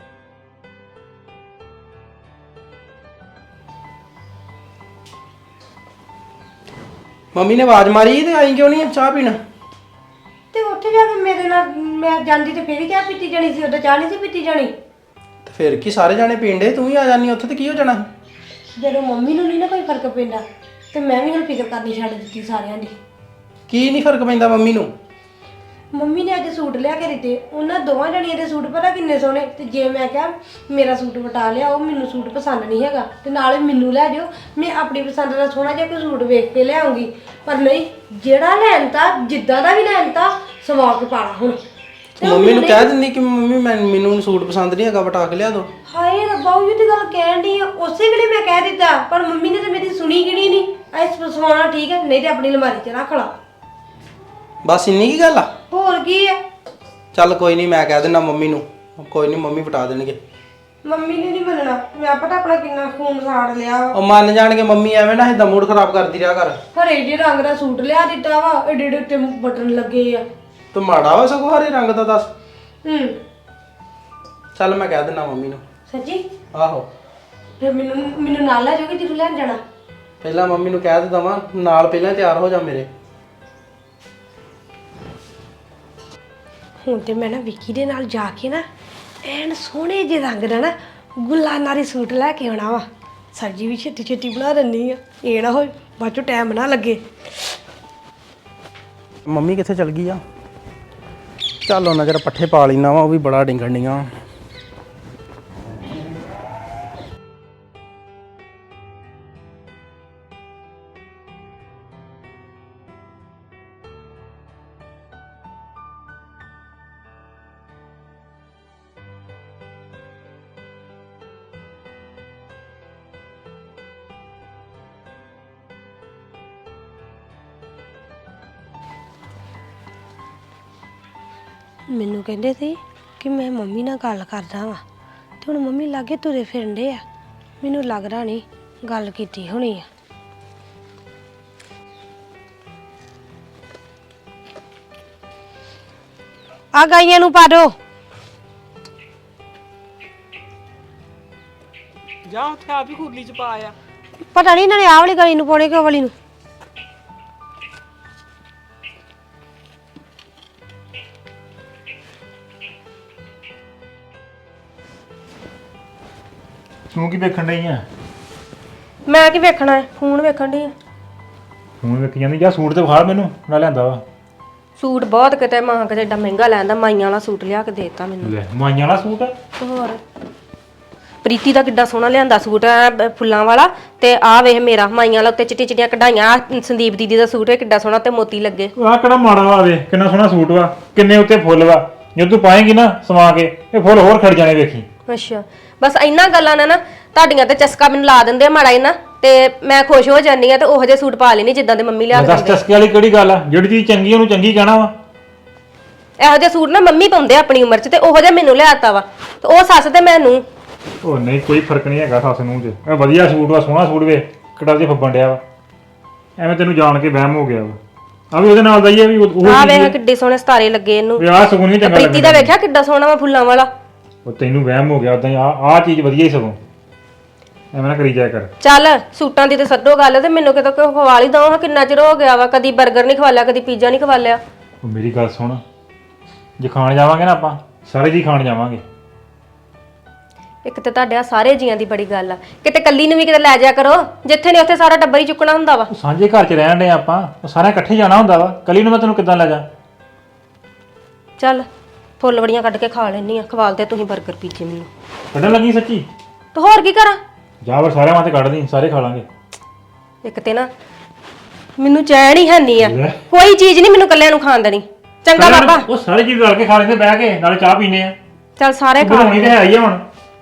Speaker 6: ਮੰਮੀ ਨੇ ਆਵਾਜ਼ ਮਾਰੀ ਤੇ ਆਈ ਕਿਉਂ ਨਹੀਂ ਚਾਹ ਪੀਣ?
Speaker 5: ਤੇ ਉੱਥੇ ਜਾ ਕੇ ਮੇਰੇ ਨਾਲ ਮੈਂ ਜਾਂਦੀ ਤੇ ਫੇਰ ਹੀ ਚਾਹ ਪੀਤੀ ਜਾਣੀ ਸੀ, ਉਦੋਂ ਚਾਹ ਨਹੀਂ ਸੀ ਪੀਤੀ ਜਾਣੀ।
Speaker 6: ਤੇ ਫਿਰ ਕੀ ਸਾਰੇ ਜਾਣੇ ਪੀਂਦੇ, ਤੂੰ ਵੀ ਆ ਜਾਨੀ ਉੱਥੇ ਤੇ ਕੀ ਹੋ ਜਾਣਾ?
Speaker 5: ਜਦੋਂ ਮੰਮੀ ਨੂੰ ਨਹੀਂ ਨਾ ਕੋਈ ਫਰਕ ਪੈਂਦਾ ਤੇ ਮੈਂ ਵੀ ਹੁਣ ਫਿਕਰ ਕਰਨੀ ਛੱਡ ਦਿੱਤੀ ਸਾਰਿਆਂ ਦੀ।
Speaker 6: ਕੀ ਨਹੀਂ ਫਰਕ ਪੈਂਦਾ ਮੰਮੀ ਨੂੰ?
Speaker 5: ਮੰਮੀ ਨੇ ਅੱਜ ਸੂਟ ਲਿਆ ਕੇ ਦਿੱਤੇ, ਉਹਨਾਂ ਦੋਵਾਂ ਜਣੀਆਂ ਦੇ ਸੂਟ ਪਤਾ ਕਿੰਨੇ ਸੋਹਣੇ। ਤੇ ਜੇ ਮੈਂ ਕਿਹਾ ਮੇਰਾ ਸੂਟ ਵਟਾ ਲਿਆ, ਉਹ ਮੈਨੂੰ ਸੂਟ ਪਸੰਦ ਨਹੀਂ ਹੈਗਾ ਤੇ ਨਾਲੇ ਮੈਨੂੰ ਲੈ ਜਾਓ, ਮੈਂ ਆਪਣੀ ਪਸੰਦ ਦਾ ਸੋਹਣਾ ਜਿਹਾ ਕੋਈ ਸੂਟ ਵੇਖ ਕੇ ਲਿਆਉਂਗੀ। ਪਰ ਨਹੀਂ, ਜਿਹੜਾ ਲੈਣ ਤਾਂ ਜਿੱਦਾਂ ਦਾ ਵੀ ਲੈਣ ਤਾਂ ਸਵਾ ਕੇ ਪਾਣਾ ਹੁਣ।
Speaker 6: ਮੰਮੀ ਨੂੰ ਕਹਿ ਦਿੰਦੀ ਕਿ ਮੰਮੀ ਮੈਨੂੰ ਸੂਟ ਪਸੰਦ ਨਹੀਂ ਹੈਗਾ, ਵਟਾ ਕੇ ਲਿਆ ਦੋ।
Speaker 5: ਹਾਏ ਰੱਬਾ, ਉਹ ਤੇ ਗੱਲ ਕਹਿਣ ਦੀ ਆ, ਉਸੇ ਵੇਲੇ ਮੈਂ ਕਹਿ ਦਿੱਤਾ, ਪਰ ਮੰਮੀ ਨੇ ਤੇ ਮੇਰੀ ਸੁਣੀ ਕਿਹੜੀ ਨਹੀਂ। ਐਸ ਸਵਾਣਾ ਠੀਕ ਹੈ, ਨਹੀਂ ਤੇ ਆਪਣੀ ਅਲਮਾਰੀ 'ਚ ਰੱਖ ਲਾ।
Speaker 6: ਬਸ ਇੰਨੀ ਕੀ ਗੱਲ ਆ?
Speaker 5: ਹੋਰ ਕੀ ਆ?
Speaker 6: ਚੱਲ ਕੋਈ ਨਹੀਂ, ਮੈਂ ਕਹਿ ਦਿੰਦਾ ਮੰਮੀ ਨੂੰ, ਕੋਈ ਨਹੀਂ ਮੰਮੀ ਵਟਾ ਦੇਣਗੇ।
Speaker 5: ਮੰਮੀ ਨੇ ਨਹੀਂ ਮੰਨਣਾ, ਮੈਂ ਪਤਾ ਆਪਣਾ ਕਿੰਨਾ ਖੂਨ ਸਾੜ ਲਿਆ।
Speaker 6: ਉਹ ਮੰਨ ਜਾਣਗੇ ਮੰਮੀ, ਐਵੇਂ ਨਾ ਇਹਦਾ ਮੂਡ ਖਰਾਬ ਕਰਦੀ ਰਿਹਾ ਕਰ।
Speaker 5: ਹਰੇ ਜਿਹੇ ਰੰਗ ਦਾ ਸੂਟ ਲਿਆ ਦਿੱਤਾ ਵਾ, ਏਡੇ ਏਡੇ ਉੱਤੇ ਬਟਨ ਲੱਗੇ ਆ।
Speaker 6: ਤੂੰ ਮਾੜਾ ਵਾ ਸਗੋਂ ਹਰੇ ਰੰਗ ਦਾ ਦੱਸ। ਚੱਲ ਮੈਂ ਕਹਿ ਦਿੰਦਾ ਮੰਮੀ ਨੂੰ।
Speaker 5: ਸੱਚੀ?
Speaker 6: ਆਹੋ,
Speaker 5: ਫਿਰ ਮੈਨੂੰ ਨਾਲ ਲੈ ਜਾਓਗੇ ਜਦੋਂ ਲੈਣ ਜਾਣਾ?
Speaker 6: ਪਹਿਲਾਂ ਮੰਮੀ ਨੂੰ ਕਹਿ ਦਿੱਤਾ ਵਾ ਨਾਲ, ਪਹਿਲਾਂ ਤਿਆਰ ਹੋ ਜਾ ਮੇਰੇ।
Speaker 5: ਹੁਣ ਤੇ ਮੈਂ ਨਾ ਵਿੱਕੀ ਦੇ ਨਾਲ ਜਾ ਕੇ ਨਾ ਐਨ ਸੋਹਣੇ ਜਿਹੇ ਰੰਗ ਦਾ ਨਾ ਗੁਲਾਨਾਰੀ ਸੂਟ ਲੈ ਕੇ ਆਉਣਾ ਵਾ। ਸਬਜ਼ੀ ਵੀ ਛੇਤੀ ਛੇਤੀ ਬਣਾ ਦਿੰਨੀ ਆ, ਇਹ ਨਾ ਹੋਏ ਬਾਅਦ ਚੋਂ ਟਾਈਮ ਨਾ ਲੱਗੇ।
Speaker 6: ਮੰਮੀ ਕਿੱਥੇ ਚਲ ਗਈ ਆ? ਚੱਲ ਉਹਨਾਂ ਜਰਾ ਪੱਠੇ ਪਾ ਲੈਣਾ ਵਾ, ਉਹ ਵੀ ਬੜਾ ਡਿੰਗਣ ਡੀਆਂ।
Speaker 5: ਮੈਨੂੰ ਕਹਿੰਦੇ ਸੀ ਕਿ ਮੈਂ ਮੰਮੀ ਨਾਲ ਗੱਲ ਕਰਦਾ ਵਾਂ ਤੇ ਹੁਣ ਮੰਮੀ ਲਾਗੇ ਤੁਰੇ ਫਿਰਦੇ ਆ। ਮੈਨੂੰ ਲੱਗਦਾ ਨਹੀਂ ਗੱਲ ਕੀਤੀ ਹੋਣੀ ਆ। ਆ ਗਾਈਆਂ ਨੂੰ ਪਾ ਦੋ।
Speaker 2: ਜਾ ਉੱਥੇ ਆਪ ਹੀ ਖੁਰਲੀ ਚ ਪਾ ਆ।
Speaker 5: ਪਤਾ ਨਹੀਂ ਇਹਨਾਂ ਨੇ ਆਹ ਵਾਲੀ ਗਾਈ ਨੂੰ ਪਾਉਣੇ ਕਿ ਉਹ ਵਾਲੀ ਨੂੰ।
Speaker 3: ਤੂੰ ਕੀ ਵੇਖਣ ਡਈ ਆ?
Speaker 4: ਮੈਂ ਕੀ ਵੇਖਣਾ ਹੈ, ਫੋਨ ਵੇਖਣ ਦੀ।
Speaker 3: ਹੁਣ ਵੇਖੀ ਜਾਂਦੀ ਜਾ ਸੂਟ ਤੇ ਵਿਖਾ ਮੈਨੂੰ ਨਾ ਲਿਆਂਦਾ ਵਾ।
Speaker 4: ਸੂਟ ਬਹੁਤ ਕਿਤੇ ਮਾਂ ਕਿਤੇ ਏਡਾ ਮਹਿੰਗਾ ਲੈਂਦਾ, ਮਾਈਆਂ ਵਾਲਾ ਸੂਟ ਲਿਆ ਕੇ ਦੇਤਾ ਮੈਨੂੰ।
Speaker 3: ਲੈ ਮਾਈਆਂ ਵਾਲਾ ਸੂਟ ਆ?
Speaker 4: ਤੇ ਹੋਰ ਪ੍ਰੀਤੀ ਦਾ ਕਿੱਡਾ ਸੋਹਣਾ ਲਿਆਂਦਾ ਸੂਟ ਐ ਫੁੱਲਾਂ ਵਾਲਾ, ਤੇ ਆਹ ਵੇਖ ਮੇਰਾ ਮਾਈਆਂ ਵਾਲਾ ਉੱਤੇ ਚਿੱਟੀਆਂ ਚਿੱਟੀਆਂ ਕਢਾਈਆਂ। ਆਹ ਸੰਦੀਪ ਦੀਦੀ ਦਾ ਸੂਟ ਹੈ ਕਿੱਡਾ ਸੋਹਣਾ ਤੇ ਮੋਤੀ ਲੱਗੇ।
Speaker 3: ਆਹ ਕਿਹੜਾ ਮਾੜਾ ਵਾ, ਵੇ ਕਿੰਨਾ ਸੋਹਣਾ ਸੂਟ ਵਾ, ਕਿੰਨੇ ਉੱਤੇ ਫੁੱਲ ਵਾ। ਜਦੋਂ ਤੂੰ ਪਾਏਂਗੀ ਨਾ ਸਵਾ ਕੇ ਇਹ ਫੁੱਲ ਹੋਰ ਖੜ ਜਾਣੇ ਵੇਖੀ।
Speaker 4: ਅੱਛਾ ਬਸ ਇਹਨਾਂ ਗੱਲਾਂ ਨਾਲ ਨਾ ਤੁਹਾਡੀਆਂ ਤੇ ਚਸਕਾ ਮੈਨੂੰ ਲਾ ਦਿੰਦੇ ਆ ਮਾੜਾ ਹੀ ਨਾ, ਤੇ ਮੈਂ ਖੁਸ਼ ਹੋ ਜਾਂਦੀ ਆ ਤੇ ਉਹੋ ਜਿਹੇ ਸੂਟ ਪਾ ਲੈਣੀ ਜਿੱਦਾਂ ਦੇ ਮੰਮੀ ਲਿਆ ਕੇ
Speaker 3: ਦੱਸ
Speaker 4: ਦਿੰਦੇ।
Speaker 3: ਚਸਕੇ ਵਾਲੀ ਕਿਹੜੀ ਗੱਲ ਆ? ਜਿਹੜੀ ਚੀਜ਼ ਚੰਗੀ ਉਹਨੂੰ ਚੰਗੀ ਕਹਿਣਾ ਵਾ।
Speaker 4: ਇਹੋ ਜਿਹੇ ਸੂਟ ਨਾ ਮੰਮੀ ਪਾਉਂਦੇ ਆ ਆਪਣੀ ਉਮਰ 'ਚ, ਤੇ ਉਹੋ ਜਿਹਾ ਮੈਨੂੰ ਲਿਆਤਾ ਵਾ, ਤੇ ਉਹ ਸੱਸ ਤੇ ਮੈਨੂੰ।
Speaker 3: ਉਹ ਨਹੀਂ ਕੋਈ ਫਰਕ ਨਹੀਂ ਹੈਗਾ ਸੱਸ ਨੂੰ ਤੇ। ਇਹ ਵਧੀਆ ਸੂਟ ਵਾ, ਸੋਹਣਾ ਸੂਟ ਵੇ, ਕਿਹੜਾ ਜਿਹਾ ਫੱਬਣ ਡਿਆ ਵਾ। ਐਵੇਂ ਤੈਨੂੰ ਜਾਣ ਕੇ ਵਹਿਮ ਹੋ ਗਿਆ ਵਾ। ਆ ਵੀ ਉਹਦੇ ਨਾਲ ਦਾ ਹੀ ਆ ਵੀ ਉਹ
Speaker 4: ਆਹ ਵੇਖ ਕਿੱਡੇ ਸੋਹਣੇ ਸਤਾਰੇ ਲੱਗੇ ਇਹਨੂੰ।
Speaker 3: ਵੀ ਆਹ ਸਗੋਂ ਨਹੀਂ ਚੰਗਾ
Speaker 4: ਪ੍ਰੀਤੀ ਦਾ ਵੇਖਿਆ ਕਿੱਡਾ ਸੋਹਣਾ ਵਾ ਫੁੱਲਾਂ ਵਾਲਾ।
Speaker 3: ਉਹ ਤੈਨੂੰ ਵਹਿਮ ਹੋ ਗਿਆ ਉਦਾਂ ਹੀ। ਆਹ ਚੀਜ਼ ਵਧੀਆ ਹੀ ਸਗੋਂ, ਐਵੇਂ ਨਾ ਕਰੀ ਜਾਇਆ ਕਰ।
Speaker 4: ਚੱਲ ਸੂਟਾਂ ਦੀ ਤੇ ਛੱਡੋ ਗੱਲ, ਤੇ ਮੈਨੂੰ ਕਿਤੇ ਕੋਈ ਖਵਾ ਲਈ ਦਵਾਂ। ਕਿੰਨਾ ਚਿਰ ਹੋ ਗਿਆ ਵਾ, ਕਦੀ 버ਗਰ ਨਹੀਂ ਖਵਾ ਲਿਆ, ਕਦੀ ਪੀਜ਼ਾ ਨਹੀਂ ਖਵਾ ਲਿਆ।
Speaker 3: ਉਹ ਮੇਰੀ ਗੱਲ ਸੁਣ, ਜੇ ਖਾਣ ਜਾਵਾਂਗੇ ਨਾ ਆਪਾਂ ਸਾਰੇ ਜੀ ਖਾਣ ਜਾਵਾਂਗੇ।
Speaker 4: ਇੱਕ ਤੇ ਤੁਹਾਡੇ ਆ ਸਾਰੇ ਜੀਆਂ ਦੀ ਬੜੀ ਗੱਲ ਆ, ਕਿਤੇ ਕੱਲੀ ਨੂੰ ਵੀ ਕਿਤੇ ਲੈ ਜਾਇਆ ਕਰੋ। ਜਿੱਥੇ ਨਹੀਂ ਉੱਥੇ ਸਾਰਾ ਟੱਬਰ ਹੀ ਚੁੱਕਣਾ ਹੁੰਦਾ ਵਾ।
Speaker 3: ਉਹ ਸਾਂਝੇ ਘਰ 'ਚ ਰਹਿਣ ਦੇ ਆਪਾਂ, ਉਹ ਸਾਰੇ ਇਕੱਠੇ ਜਾਣਾ ਹੁੰਦਾ ਵਾ। ਕੱਲੀ ਨੂੰ ਮੈਂ ਤੈਨੂੰ ਕਿੱਦਾਂ ਲੈ ਜਾ?
Speaker 4: ਚੱਲ ਫੁੱਲ ਵੜੀਆਂ ਕੱਢ ਕੇ ਖਾ ਲੈਣੀ ਆ, ਖਵਾਲ ਤੇ ਤੁਸੀਂ 버ਗਰ ਪੀਜ਼ੇ ਮੈਨੂੰ।
Speaker 3: ਕੱਢਣ ਲੱਗੀ ਸੱਚੀ?
Speaker 4: ਤੇ ਹੋਰ ਕੀ ਕਰਾਂ?
Speaker 3: ਜਾ ਫਿਰ ਸਾਰਿਆਂ ਵਾਸਤੇ ਕੱਢ ਦੀ, ਸਾਰੇ ਖਾ ਲਾਂਗੇ।
Speaker 4: ਇੱਕ ਤੇ ਨਾ ਮੈਨੂੰ ਚੈਨ ਹੀ ਹੈਨੀ ਆ,
Speaker 3: ਲੈ।
Speaker 4: ਕੋਈ ਚੀਜ਼ ਨਹੀਂ ਮੈਨੂੰ ਕੱਲਿਆਂ ਨੂੰ ਖਾਣ ਦੇਣੀ। ਚੰਗਾ ਬਾਬਾ।
Speaker 3: ਉਹ ਸਾਰੇ ਜੀ ਰਲ ਕੇ ਖਾ ਲੈਂਦੇ ਬਹਿ ਕੇ, ਨਾਲੇ ਚਾਹ ਪੀਨੇ ਆ।
Speaker 4: ਚੱਲ ਸਾਰੇ ਖਾ
Speaker 3: ਬਣਾਉਣੀ ਤੇ ਹੈ ਹੀ ਆ ਹੁਣ।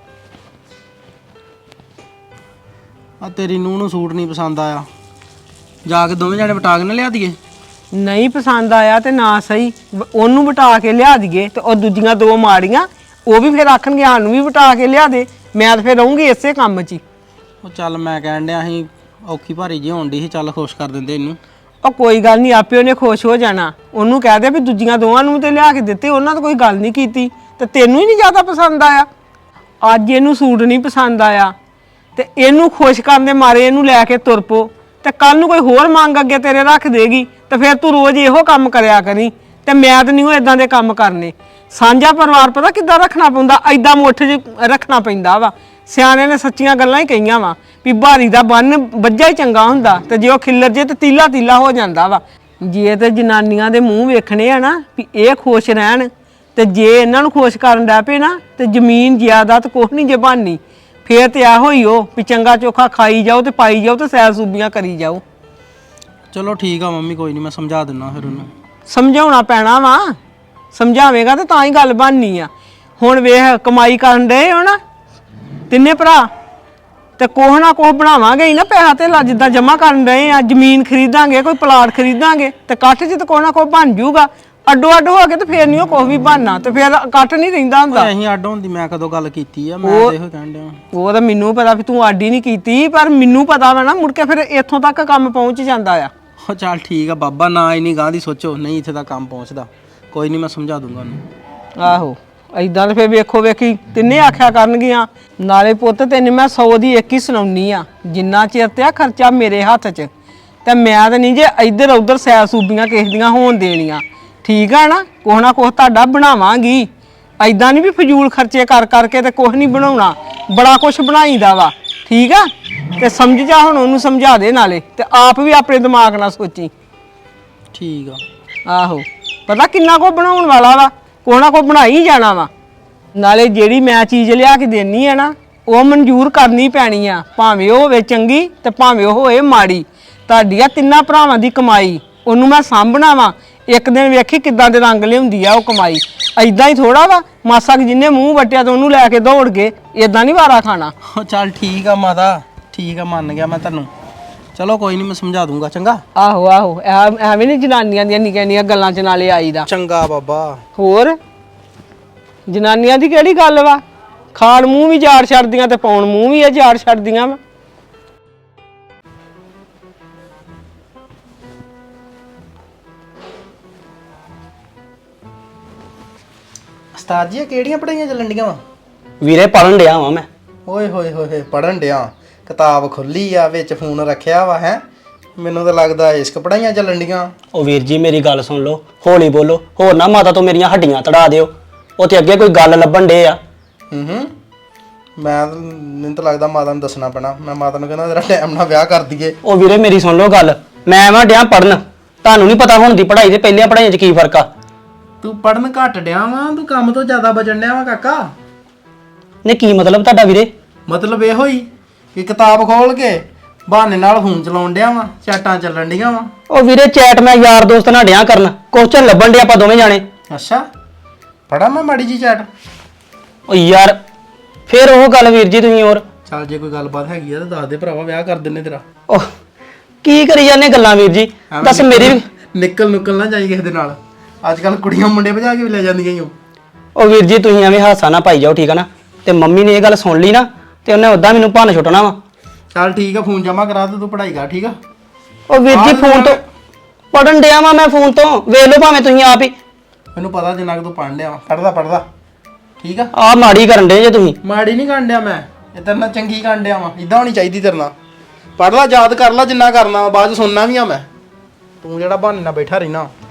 Speaker 6: ਆ ਤੇਰੀ ਨੂੰਹ ਨੂੰ ਸੂਟ ਨਹੀਂ ਪਸੰਦ ਆਇਆ, ਜਾ ਕੇ ਦੋਵੇਂ ਜਾਣੇ ਵਟਾ ਕੇ ਨਾ ਲਿਆ ਦਈਏ।
Speaker 2: ਨਹੀਂ ਪਸੰਦ ਆਇਆ ਤੇ ਨਾ ਸਹੀ, ਉਹਨੂੰ ਵਟਾ ਕੇ ਲਿਆ ਦਈਏ ਤੇ ਉਹ ਦੂਜੀਆਂ ਦੋ ਮਾੜੀਆਂ ਉਹ ਵੀ ਫਿਰ ਆਖਣਗੇ ਸਾਨੂੰ ਵੀ ਵਟਾ ਕੇ ਲਿਆ ਦੇ। ਮੈਂ ਤਾਂ ਫਿਰ ਰਹੂੰਗੀ ਇਸੇ ਕੰਮ 'ਚ ਹੀ।
Speaker 6: ਉਹ ਚੱਲ ਮੈਂ ਕਹਿਣ ਡਿਆ ਸੀ ਔਖੀ ਭਾਰੀ ਜੀ ਹੋਣ ਡਈ ਸੀ, ਚੱਲ ਖੁਸ਼ ਕਰ ਦਿੰਦੇ ਇਹਨੂੰ।
Speaker 2: ਉਹ ਕੋਈ ਗੱਲ ਨਹੀਂ, ਆਪੇ ਉਹਨੇ ਖੁਸ਼ ਹੋ ਜਾਣਾ। ਉਹਨੂੰ ਕਹਿ ਦੇ ਵੀ ਦੂਜੀਆਂ ਦੋਵਾਂ ਨੂੰ ਤੇ ਲਿਆ ਕੇ ਦਿੱਤੇ, ਉਹਨਾਂ ਤਾਂ ਕੋਈ ਗੱਲ ਨਹੀਂ ਕੀਤੀ ਤੇ ਤੈਨੂੰ ਹੀ ਨਹੀਂ ਜ਼ਿਆਦਾ ਪਸੰਦ ਆਇਆ। ਅੱਜ ਇਹਨੂੰ ਸੂਟ ਨਹੀਂ ਪਸੰਦ ਆਇਆ ਤੇ ਇਹਨੂੰ ਖੁਸ਼ ਕਰਨ ਦੇ ਮਾਰੇ ਇਹਨੂੰ ਲੈ ਕੇ ਤੁਰ ਪੋ, ਤੇ ਕੱਲ ਨੂੰ ਕੋਈ ਹੋਰ ਮੰਗ ਅੱਗੇ ਤੇਰੇ ਰੱਖ ਦੇਗੀ ਤੇ ਫਿਰ ਤੂੰ ਰੋਜ਼ ਇਹੋ ਕੰਮ ਕਰਿਆ ਕਰੀ। ਤੇ ਮੈਂ ਤਾਂ ਨਹੀਂ ਉਹ ਇਦਾਂ ਦੇ ਕੰਮ ਕਰਨੇ। ਸਾਂਝਾ ਪਰਿਵਾਰ ਪਤਾ ਕਿੱਦਾਂ ਰੱਖਣਾ ਪੈਂਦਾ, ਐਦਾਂ ਮੁੱਠ 'ਚ ਰੱਖਣਾ ਪੈਂਦਾ ਵਾ। ਸਿਆਣੇ ਨੇ ਸੱਚੀਆਂ ਗੱਲਾਂ ਹੀ ਕਹੀਆਂ ਵਾ ਵੀ ਭਾਰੀ ਦਾ ਬੰਨ ਵੱਜਾ ਹੀ ਚੰਗਾ ਹੁੰਦਾ, ਤੇ ਜੇ ਉਹ ਖਿੱਲਰ ਜੇ ਤੇ ਤੀਲਾ ਤੀਲਾ ਹੋ ਜਾਂਦਾ ਵਾ। ਜੇ ਤੇ ਜਨਾਨੀਆਂ ਦੇ ਮੂੰਹ ਵੇਖਣੇ ਆ ਨਾ ਵੀ ਇਹ ਖੁਸ਼ ਰਹਿਣ, ਤੇ ਜੇ ਇਹਨਾਂ ਨੂੰ ਖੁਸ਼ ਕਰਨ ਲੱਗ ਪਏ ਨਾ ਤੇ ਜ਼ਮੀਨ ਜ਼ਿਆਦਾਤ ਕੁਛ ਨਹੀਂ ਜੇ ਬਣਨੀ। ਫੇਰ ਤੇ ਇਹੋ ਹੀ ਉਹ ਵੀ ਚੰਗਾ ਚੋਖਾ ਖਾਈ ਜਾਓ ਤੇ ਪਾਈ ਜਾਓ ਤੇ ਸੈਰ ਸੂਬੀਆਂ ਕਰੀ ਜਾਓ।
Speaker 6: ਚਲੋ ਠੀਕ ਆ ਮੰਮੀ, ਕੋਈ ਨਹੀਂ ਮੈਂ ਸਮਝਾ ਦਿੰਦਾ ਫਿਰ ਉਹਨੂੰ।
Speaker 2: ਸਮਝਾਉਣਾ ਪੈਣਾ ਵਾ, ਸਮਝਾਵੇਂਗਾ ਤੇ ਤਾਂ ਹੀ ਗੱਲ ਬਣਨੀ ਆ। ਹੁਣ ਵੇਖ ਕਮਾਈ ਕਰਨ ਡਏ ਹੋ ਨਾ ਤਿੰਨੇ ਭਰਾ, ਤੇ ਕੋਹ ਨਾ ਕੋਹ ਬਣਾਵਾਂਗੇ ਹੀ ਨਾ ਪੈਸਾ ਤੇ ਜਿੱਦਾਂ ਜਮਾ ਕਰਨ ਡਏ ਆ। ਜ਼ਮੀਨ ਖਰੀਦਾਂਗੇ, ਕੋਈ ਪਲਾਟ ਖਰੀਦਾਂਗੇ ਤੇ ਇਕੱਠ 'ਚ ਤੇ ਕੋਹ ਨਾ ਕੋਹ ਬਣ ਜਾਊਗਾ। ਅੱਡੋ ਅੱਡ ਹੋ ਕੇ ਤੇ ਫੇਰ ਨਹੀਂ ਉਹ ਕੁਛ ਵੀ ਬਣਨਾ, ਤੇ ਫੇਰ ਇਕੱਠ ਨਹੀਂ ਰਹਿੰਦਾ ਹੁੰਦਾ।
Speaker 6: ਅਸੀਂ ਅੱਡ ਹੋਣ ਦੀ ਮੈਂ ਕਦੋਂ ਗੱਲ ਕੀਤੀ ਆ? ਮੈਂ ਤਾਂ ਇਹੋ ਕਹਿਣ ਡਿਆ।
Speaker 2: ਉਹ ਤਾਂ ਮੈਨੂੰ ਪਤਾ ਵੀ ਤੂੰ ਆਡੀ ਨਹੀਂ ਕੀਤੀ, ਪਰ ਮੈਨੂੰ ਪਤਾ ਵਾ ਨਾ ਮੁੜ ਕੇ ਫਿਰ ਇੱਥੋਂ ਤੱਕ ਕੰਮ ਪਹੁੰਚ ਜਾਂਦਾ ਆ।
Speaker 6: ਉਹ ਚੱਲ ਠੀਕ ਆ ਬਾਬਾ, ਨਾ ਇੰਨੀ ਗਾਂ ਦੀ ਸੋਚੋ, ਨਹੀਂ ਇੱਥੇ ਤੱਕ ਕੰਮ ਪਹੁੰਚਦਾ। ਕੋਈ ਨਹੀਂ ਮੈਂ ਸਮਝਾ ਦੂੰਗਾ ਉਹਨੂੰ।
Speaker 2: ਆਹੋ ਏਦਾਂ ਤੇ ਫੇਰ ਵੇਖੋ ਵੇਖੀ ਤਿੰਨੇ ਆਖਿਆ ਕਰਨਗੀਆਂ। ਨਾਲੇ ਪੁੱਤ ਤੈਨੂੰ ਮੈਂ 100 ਦੀ ਇੱਕ ਹੀ ਸੁਣਾਉਣੀ ਆ, ਜਿੰਨਾ ਚਿਰ ਤੇ ਆ ਖਰਚਾ ਮੇਰੇ ਹੱਥ 'ਚ, ਤੇ ਮੈਂ ਤਾਂ ਨਹੀਂ ਜੇ ਇੱਧਰ ਉੱਧਰ ਸੈਰ ਸੂਬੀਆਂ ਕਿਸੇ ਦੀਆਂ ਹੋਣ ਦੇਣੀਆਂ। ਠੀਕ ਆ ਨਾ ਕੁਛ ਤੁਹਾਡਾ ਬਣਾਵਾਂਗੀ। ਐਦਾਂ ਨਹੀਂ ਵੀ ਫਜ਼ੂਲ ਖਰਚੇ ਕਰ ਕਰਕੇ ਤੇ ਕੁਛ ਨਹੀਂ ਬਣਾਉਣਾ, ਬੜਾ ਕੁਛ ਬਣਾਈਦਾ ਵਾ। ਠੀਕ ਆ ਤੇ ਸਮਝ ਜਾ, ਹੁਣ ਉਹਨੂੰ ਸਮਝਾ ਦੇ ਨਾਲੇ, ਤੇ ਆਪ ਵੀ ਆਪਣੇ ਦਿਮਾਗ ਨਾਲ ਸੋਚੀ।
Speaker 6: ਠੀਕ ਆ।
Speaker 2: ਆਹੋ ਪਤਾ ਕਿੰਨਾ ਕੋ ਬਣਾਉਣ ਵਾਲਾ ਵਾ, ਕੋ ਬਣਾ ਹੀ ਜਾਣਾ ਵਾ। ਨਾਲੇ ਜਿਹੜੀ ਮੈਂ ਚੀਜ਼ ਲਿਆ ਕੇ ਦੇਣੀ ਆ ਨਾ, ਉਹ ਮਨਜ਼ੂਰ ਕਰਨੀ ਪੈਣੀ ਆ, ਭਾਵੇਂ ਉਹ ਹੋਵੇ ਚੰਗੀ ਤੇ ਭਾਵੇਂ ਉਹ ਹੋਵੇ ਮਾੜੀ। ਤੁਹਾਡੀ ਆ ਤਿੰਨਾਂ ਭਰਾਵਾਂ ਦੀ ਕਮਾਈ, ਉਹਨੂੰ ਮੈਂ ਸਾਂਭਣਾ ਵਾ। ਇੱਕ ਦਿਨ ਵੇਖੀ ਕਿੱਦਾਂ ਦੇ ਰੰਗ ਲਿਆਉਂਦੀ ਆ ਉਹ ਕਮਾਈ। ਐਦਾਂ ਹੀ ਥੋੜਾ ਵਾ ਮਾਸਾ ਜਿੰਨੇ ਮੂੰਹ ਵੱਟਿਆ ਤੇ ਉਹਨੂੰ ਲੈ ਕੇ ਦੌੜ ਗਏ, ਇਦਾਂ ਨਹੀਂ ਵਾਰਾ ਖਾਣਾ।
Speaker 6: ਉਹ ਚੱਲ ਠੀਕ ਆ ਮਾਤਾ, ਠੀਕ ਆ, ਮੰਨ ਗਿਆ ਮੈਂ ਤੈਨੂੰ। ਚਲੋ ਕੋਈ ਨਹੀਂ, ਮੈਂ ਸਮਝਾ ਦੂੰਗਾ। ਚੰਗਾ।
Speaker 2: ਆਹੋ ਐਵੇਂ ਨਹੀਂ ਜਨਾਨੀਆਂ ਦੀਆਂ ਨਿੱਕੀਆਂ ਗੱਲਾਂ 'ਚ ਨਾਲੇ ਆਈਦਾ।
Speaker 6: ਚੰਗਾ ਬਾਬਾ।
Speaker 2: ਹੋਰ ਜਨਾਨੀਆਂ ਦੀ ਕਿਹੜੀ ਗੱਲ ਵਾ, ਖਾਣ ਮੂੰਹ ਵੀ ਝਾੜ ਛੱਡਦੀਆਂ ਤੇ ਪਾਉਣ ਮੂੰਹ ਵੀ ਇਹ ਝਾੜ ਛੱਡਦੀਆਂ ਵਾ।
Speaker 6: ਉਸਤਾਦ ਜੀ ਇਹ ਕਿਹੜੀਆਂ ਪੜ੍ਹਾਈਆਂ ਚੱਲਣ ਡੀਆਂ ਵਾ?
Speaker 7: ਵੀਰੇ ਪੜਨ ਡਿਆ ਵਾਂ ਮੈਂ।
Speaker 6: ਓਏ ਹੋਏ ਹੋਏ, ਪੜਨ ਡਿਆ? ਕਿਤਾਬ ਖੁੱਲੀ ਆ, ਵਿੱਚ ਫੋਨ ਰੱਖਿਆ ਵਾ ਹੈ? ਮੈਨੂੰ ਤਾਂ ਲੱਗਦਾ ਇਸ਼ਕ ਪੜ੍ਹਾਈਆਂ ਚੱਲਣ ਡੀਆਂ।
Speaker 7: ਉਹ ਵੀਰ ਜੀ ਮੇਰੀ ਗੱਲ ਸੁਣ ਲਓ, ਹੌਲੀ ਬੋਲੋ, ਹੋਰ ਨਾ ਮਾਤਾ ਤੋਂ ਮੇਰੀਆਂ ਹੱਡੀਆਂ ਤੜਾ ਦਿਓ। ਉੱਥੇ ਅੱਗੇ ਕੋਈ ਗੱਲ ਲੱਭਣ ਡੇ ਆ।
Speaker 6: ਮੈਨੂੰ ਤਾਂ ਲੱਗਦਾ ਮਾਤਾ ਨੂੰ ਦੱਸਣਾ ਪੈਣਾ। ਮੈਂ ਮਾਤਾ ਨੂੰ ਕਹਿੰਦਾ ਤੇਰਾ ਟਾਈਮ ਨਾਲ ਵਿਆਹ ਕਰ ਦਈਏ।
Speaker 7: ਉਹ ਵੀਰੇ ਮੇਰੀ ਸੁਣ ਲਓ ਗੱਲ, ਮੈਂ ਵਾਂ ਡਿਆ ਪੜਨ। ਤੁਹਾਨੂੰ ਨਹੀਂ ਪਤਾ ਹੁਣ ਦੀ ਪੜ੍ਹਾਈ ਤੇ ਪਹਿਲੀਆਂ ਪੜ੍ਹਾਈਆਂ 'ਚ ਕੀ ਫਰਕ ਆ।
Speaker 6: ਤੂੰ ਪੜਨ ਘੱਟ ਡਿਆ ਵਾ, ਤੂੰ ਕੰਮ ਤੋਂ ਜ਼ਿਆਦਾ ਬਚਣ ਡਿਆ ਵਾ ਕਾਕਾ।
Speaker 7: ਨੇ ਕੀ ਮਤਲਬ ਤੁਹਾਡਾ ਵੀਰੇ?
Speaker 6: ਮਤਲਬ ਇਹੋ ਹੀ ਕਿ ਕਿਤਾਬ ਖੋਲ ਕੇ ਬਹਾਨੇ ਨਾਲ ਫੋਨ ਚਲਾਉਣ ਡਿਆ ਵਾ, ਚੈਟਾਂ ਚੱਲਣ ਡੀਆਂ ਵਾ।
Speaker 7: ਉਹ ਵੀਰੇ ਚੈਟ ਮੈਂ ਯਾਰ ਦੋਸਤ ਨਾਲ ਡਿਆ ਕਰਨ, ਕੁਐਸਚਨ ਲੱਭਣ ਡੇ ਆਪਾਂ ਦੋਵੇਂ ਜਾਣੇ।
Speaker 6: ਅੱਛਾ, ਪੜਾ ਮੈਂ ਮਾੜੀ ਜੀ ਚੈਟ?
Speaker 7: ਉਹ ਯਾਰ ਫੇਰ ਉਹ ਗੱਲ ਵੀਰ ਜੀ ਤੁਸੀਂ ਹੋਰ।
Speaker 6: ਚੱਲ ਜੇ ਕੋਈ ਗੱਲਬਾਤ ਹੈਗੀ ਆ ਤਾਂ ਦੱਸ ਦੇ ਭਰਾਵਾ, ਵਿਆਹ ਕਰ ਦਿੰਨੇ ਤੇਰਾ।
Speaker 7: ਉਹ ਕੀ ਕਰੀ ਜਾਂਦੇ ਗੱਲਾਂ ਵੀਰ ਜੀ, ਦੱਸ ਮੇਰੀ ਵੀ।
Speaker 6: ਨਿਕਲ ਨਾ ਜਾਈ ਕਿਸੇ ਦੇ ਨਾਲ। ਅੱਜ ਕੱਲ ਕੁੜੀਆਂ ਮੁੰਡੇ ਭਜਾ ਕੇ ਵੀ ਲੈ ਜਾਂਦੀਆਂ ਈ ਓ।
Speaker 7: ਉਹ ਵੀਰ ਜੀ ਤੁਸੀਂ ਐਵੇਂ ਹਾਸਾ ਨਾ ਪਾਈ ਜਾਓ, ਠੀਕ ਆ ਨਾ। ਤੇ ਮੰਮੀ ਨੇ ਇਹ ਗੱਲ ਸੁਣ ਲਈ ਨਾ ਤੇ ਉਹਨੇ ਉਦਾਂ ਮੈਨੂੰ ਭੰਨ ਛੁੱਟਣਾ ਵਾ।
Speaker 6: ਚੱਲ ਠੀਕ ਆ, ਫੋਨ ਜਮਾ ਕਰਾ ਤੇ ਤੂੰ ਪੜ੍ਹਾਈ ਕਰ। ਠੀਕ ਆ।
Speaker 7: ਉਹ ਵੀਰ ਜੀ ਫੋਨ ਤੋਂ ਪੜਨ ਡਿਆ ਵਾਂ ਮੈਂ, ਫੋਨ ਤੋਂ ਵੇਖ ਲਓ ਭਾਵੇਂ ਤੁਸੀਂ ਆਪ ਹੀ।
Speaker 6: ਮੈਨੂੰ ਪਤਾ ਜਿੰਨਾ ਕਿ ਤੂੰ ਪੜ੍ਹਨ ਡਿਆ ਵਾ, ਪੜਦਾ। ਠੀਕ ਆ।
Speaker 7: ਆ ਮਾੜੀ ਕਰਨ ਡੇ ਜੇ ਤੁਸੀਂ।
Speaker 6: ਮਾੜੀ ਨਹੀਂ ਕਰਨ ਡਿਆ ਮੈਂ, ਇਹ ਤੇਰੇ ਨਾਲ ਚੰਗੀ ਕਰਨ ਡਿਆ ਵਾ। ਇਦਾਂ ਹੋਣੀ ਚਾਹੀਦੀ ਤੇਰੇ ਨਾਲ। ਪੜ੍ਹ ਲਾ, ਯਾਦ ਕਰ ਲਾ ਜਿੰਨਾ ਕਰਨਾ, ਬਾਅਦ ਚ ਸੁਣਨਾ ਵੀ ਆ ਮੈਂ। ਤੂੰ ਜਿਹੜਾ ਬਹਾਨੇ ਨਾਲ ਬੈਠਾ ਰਹਿਣਾ।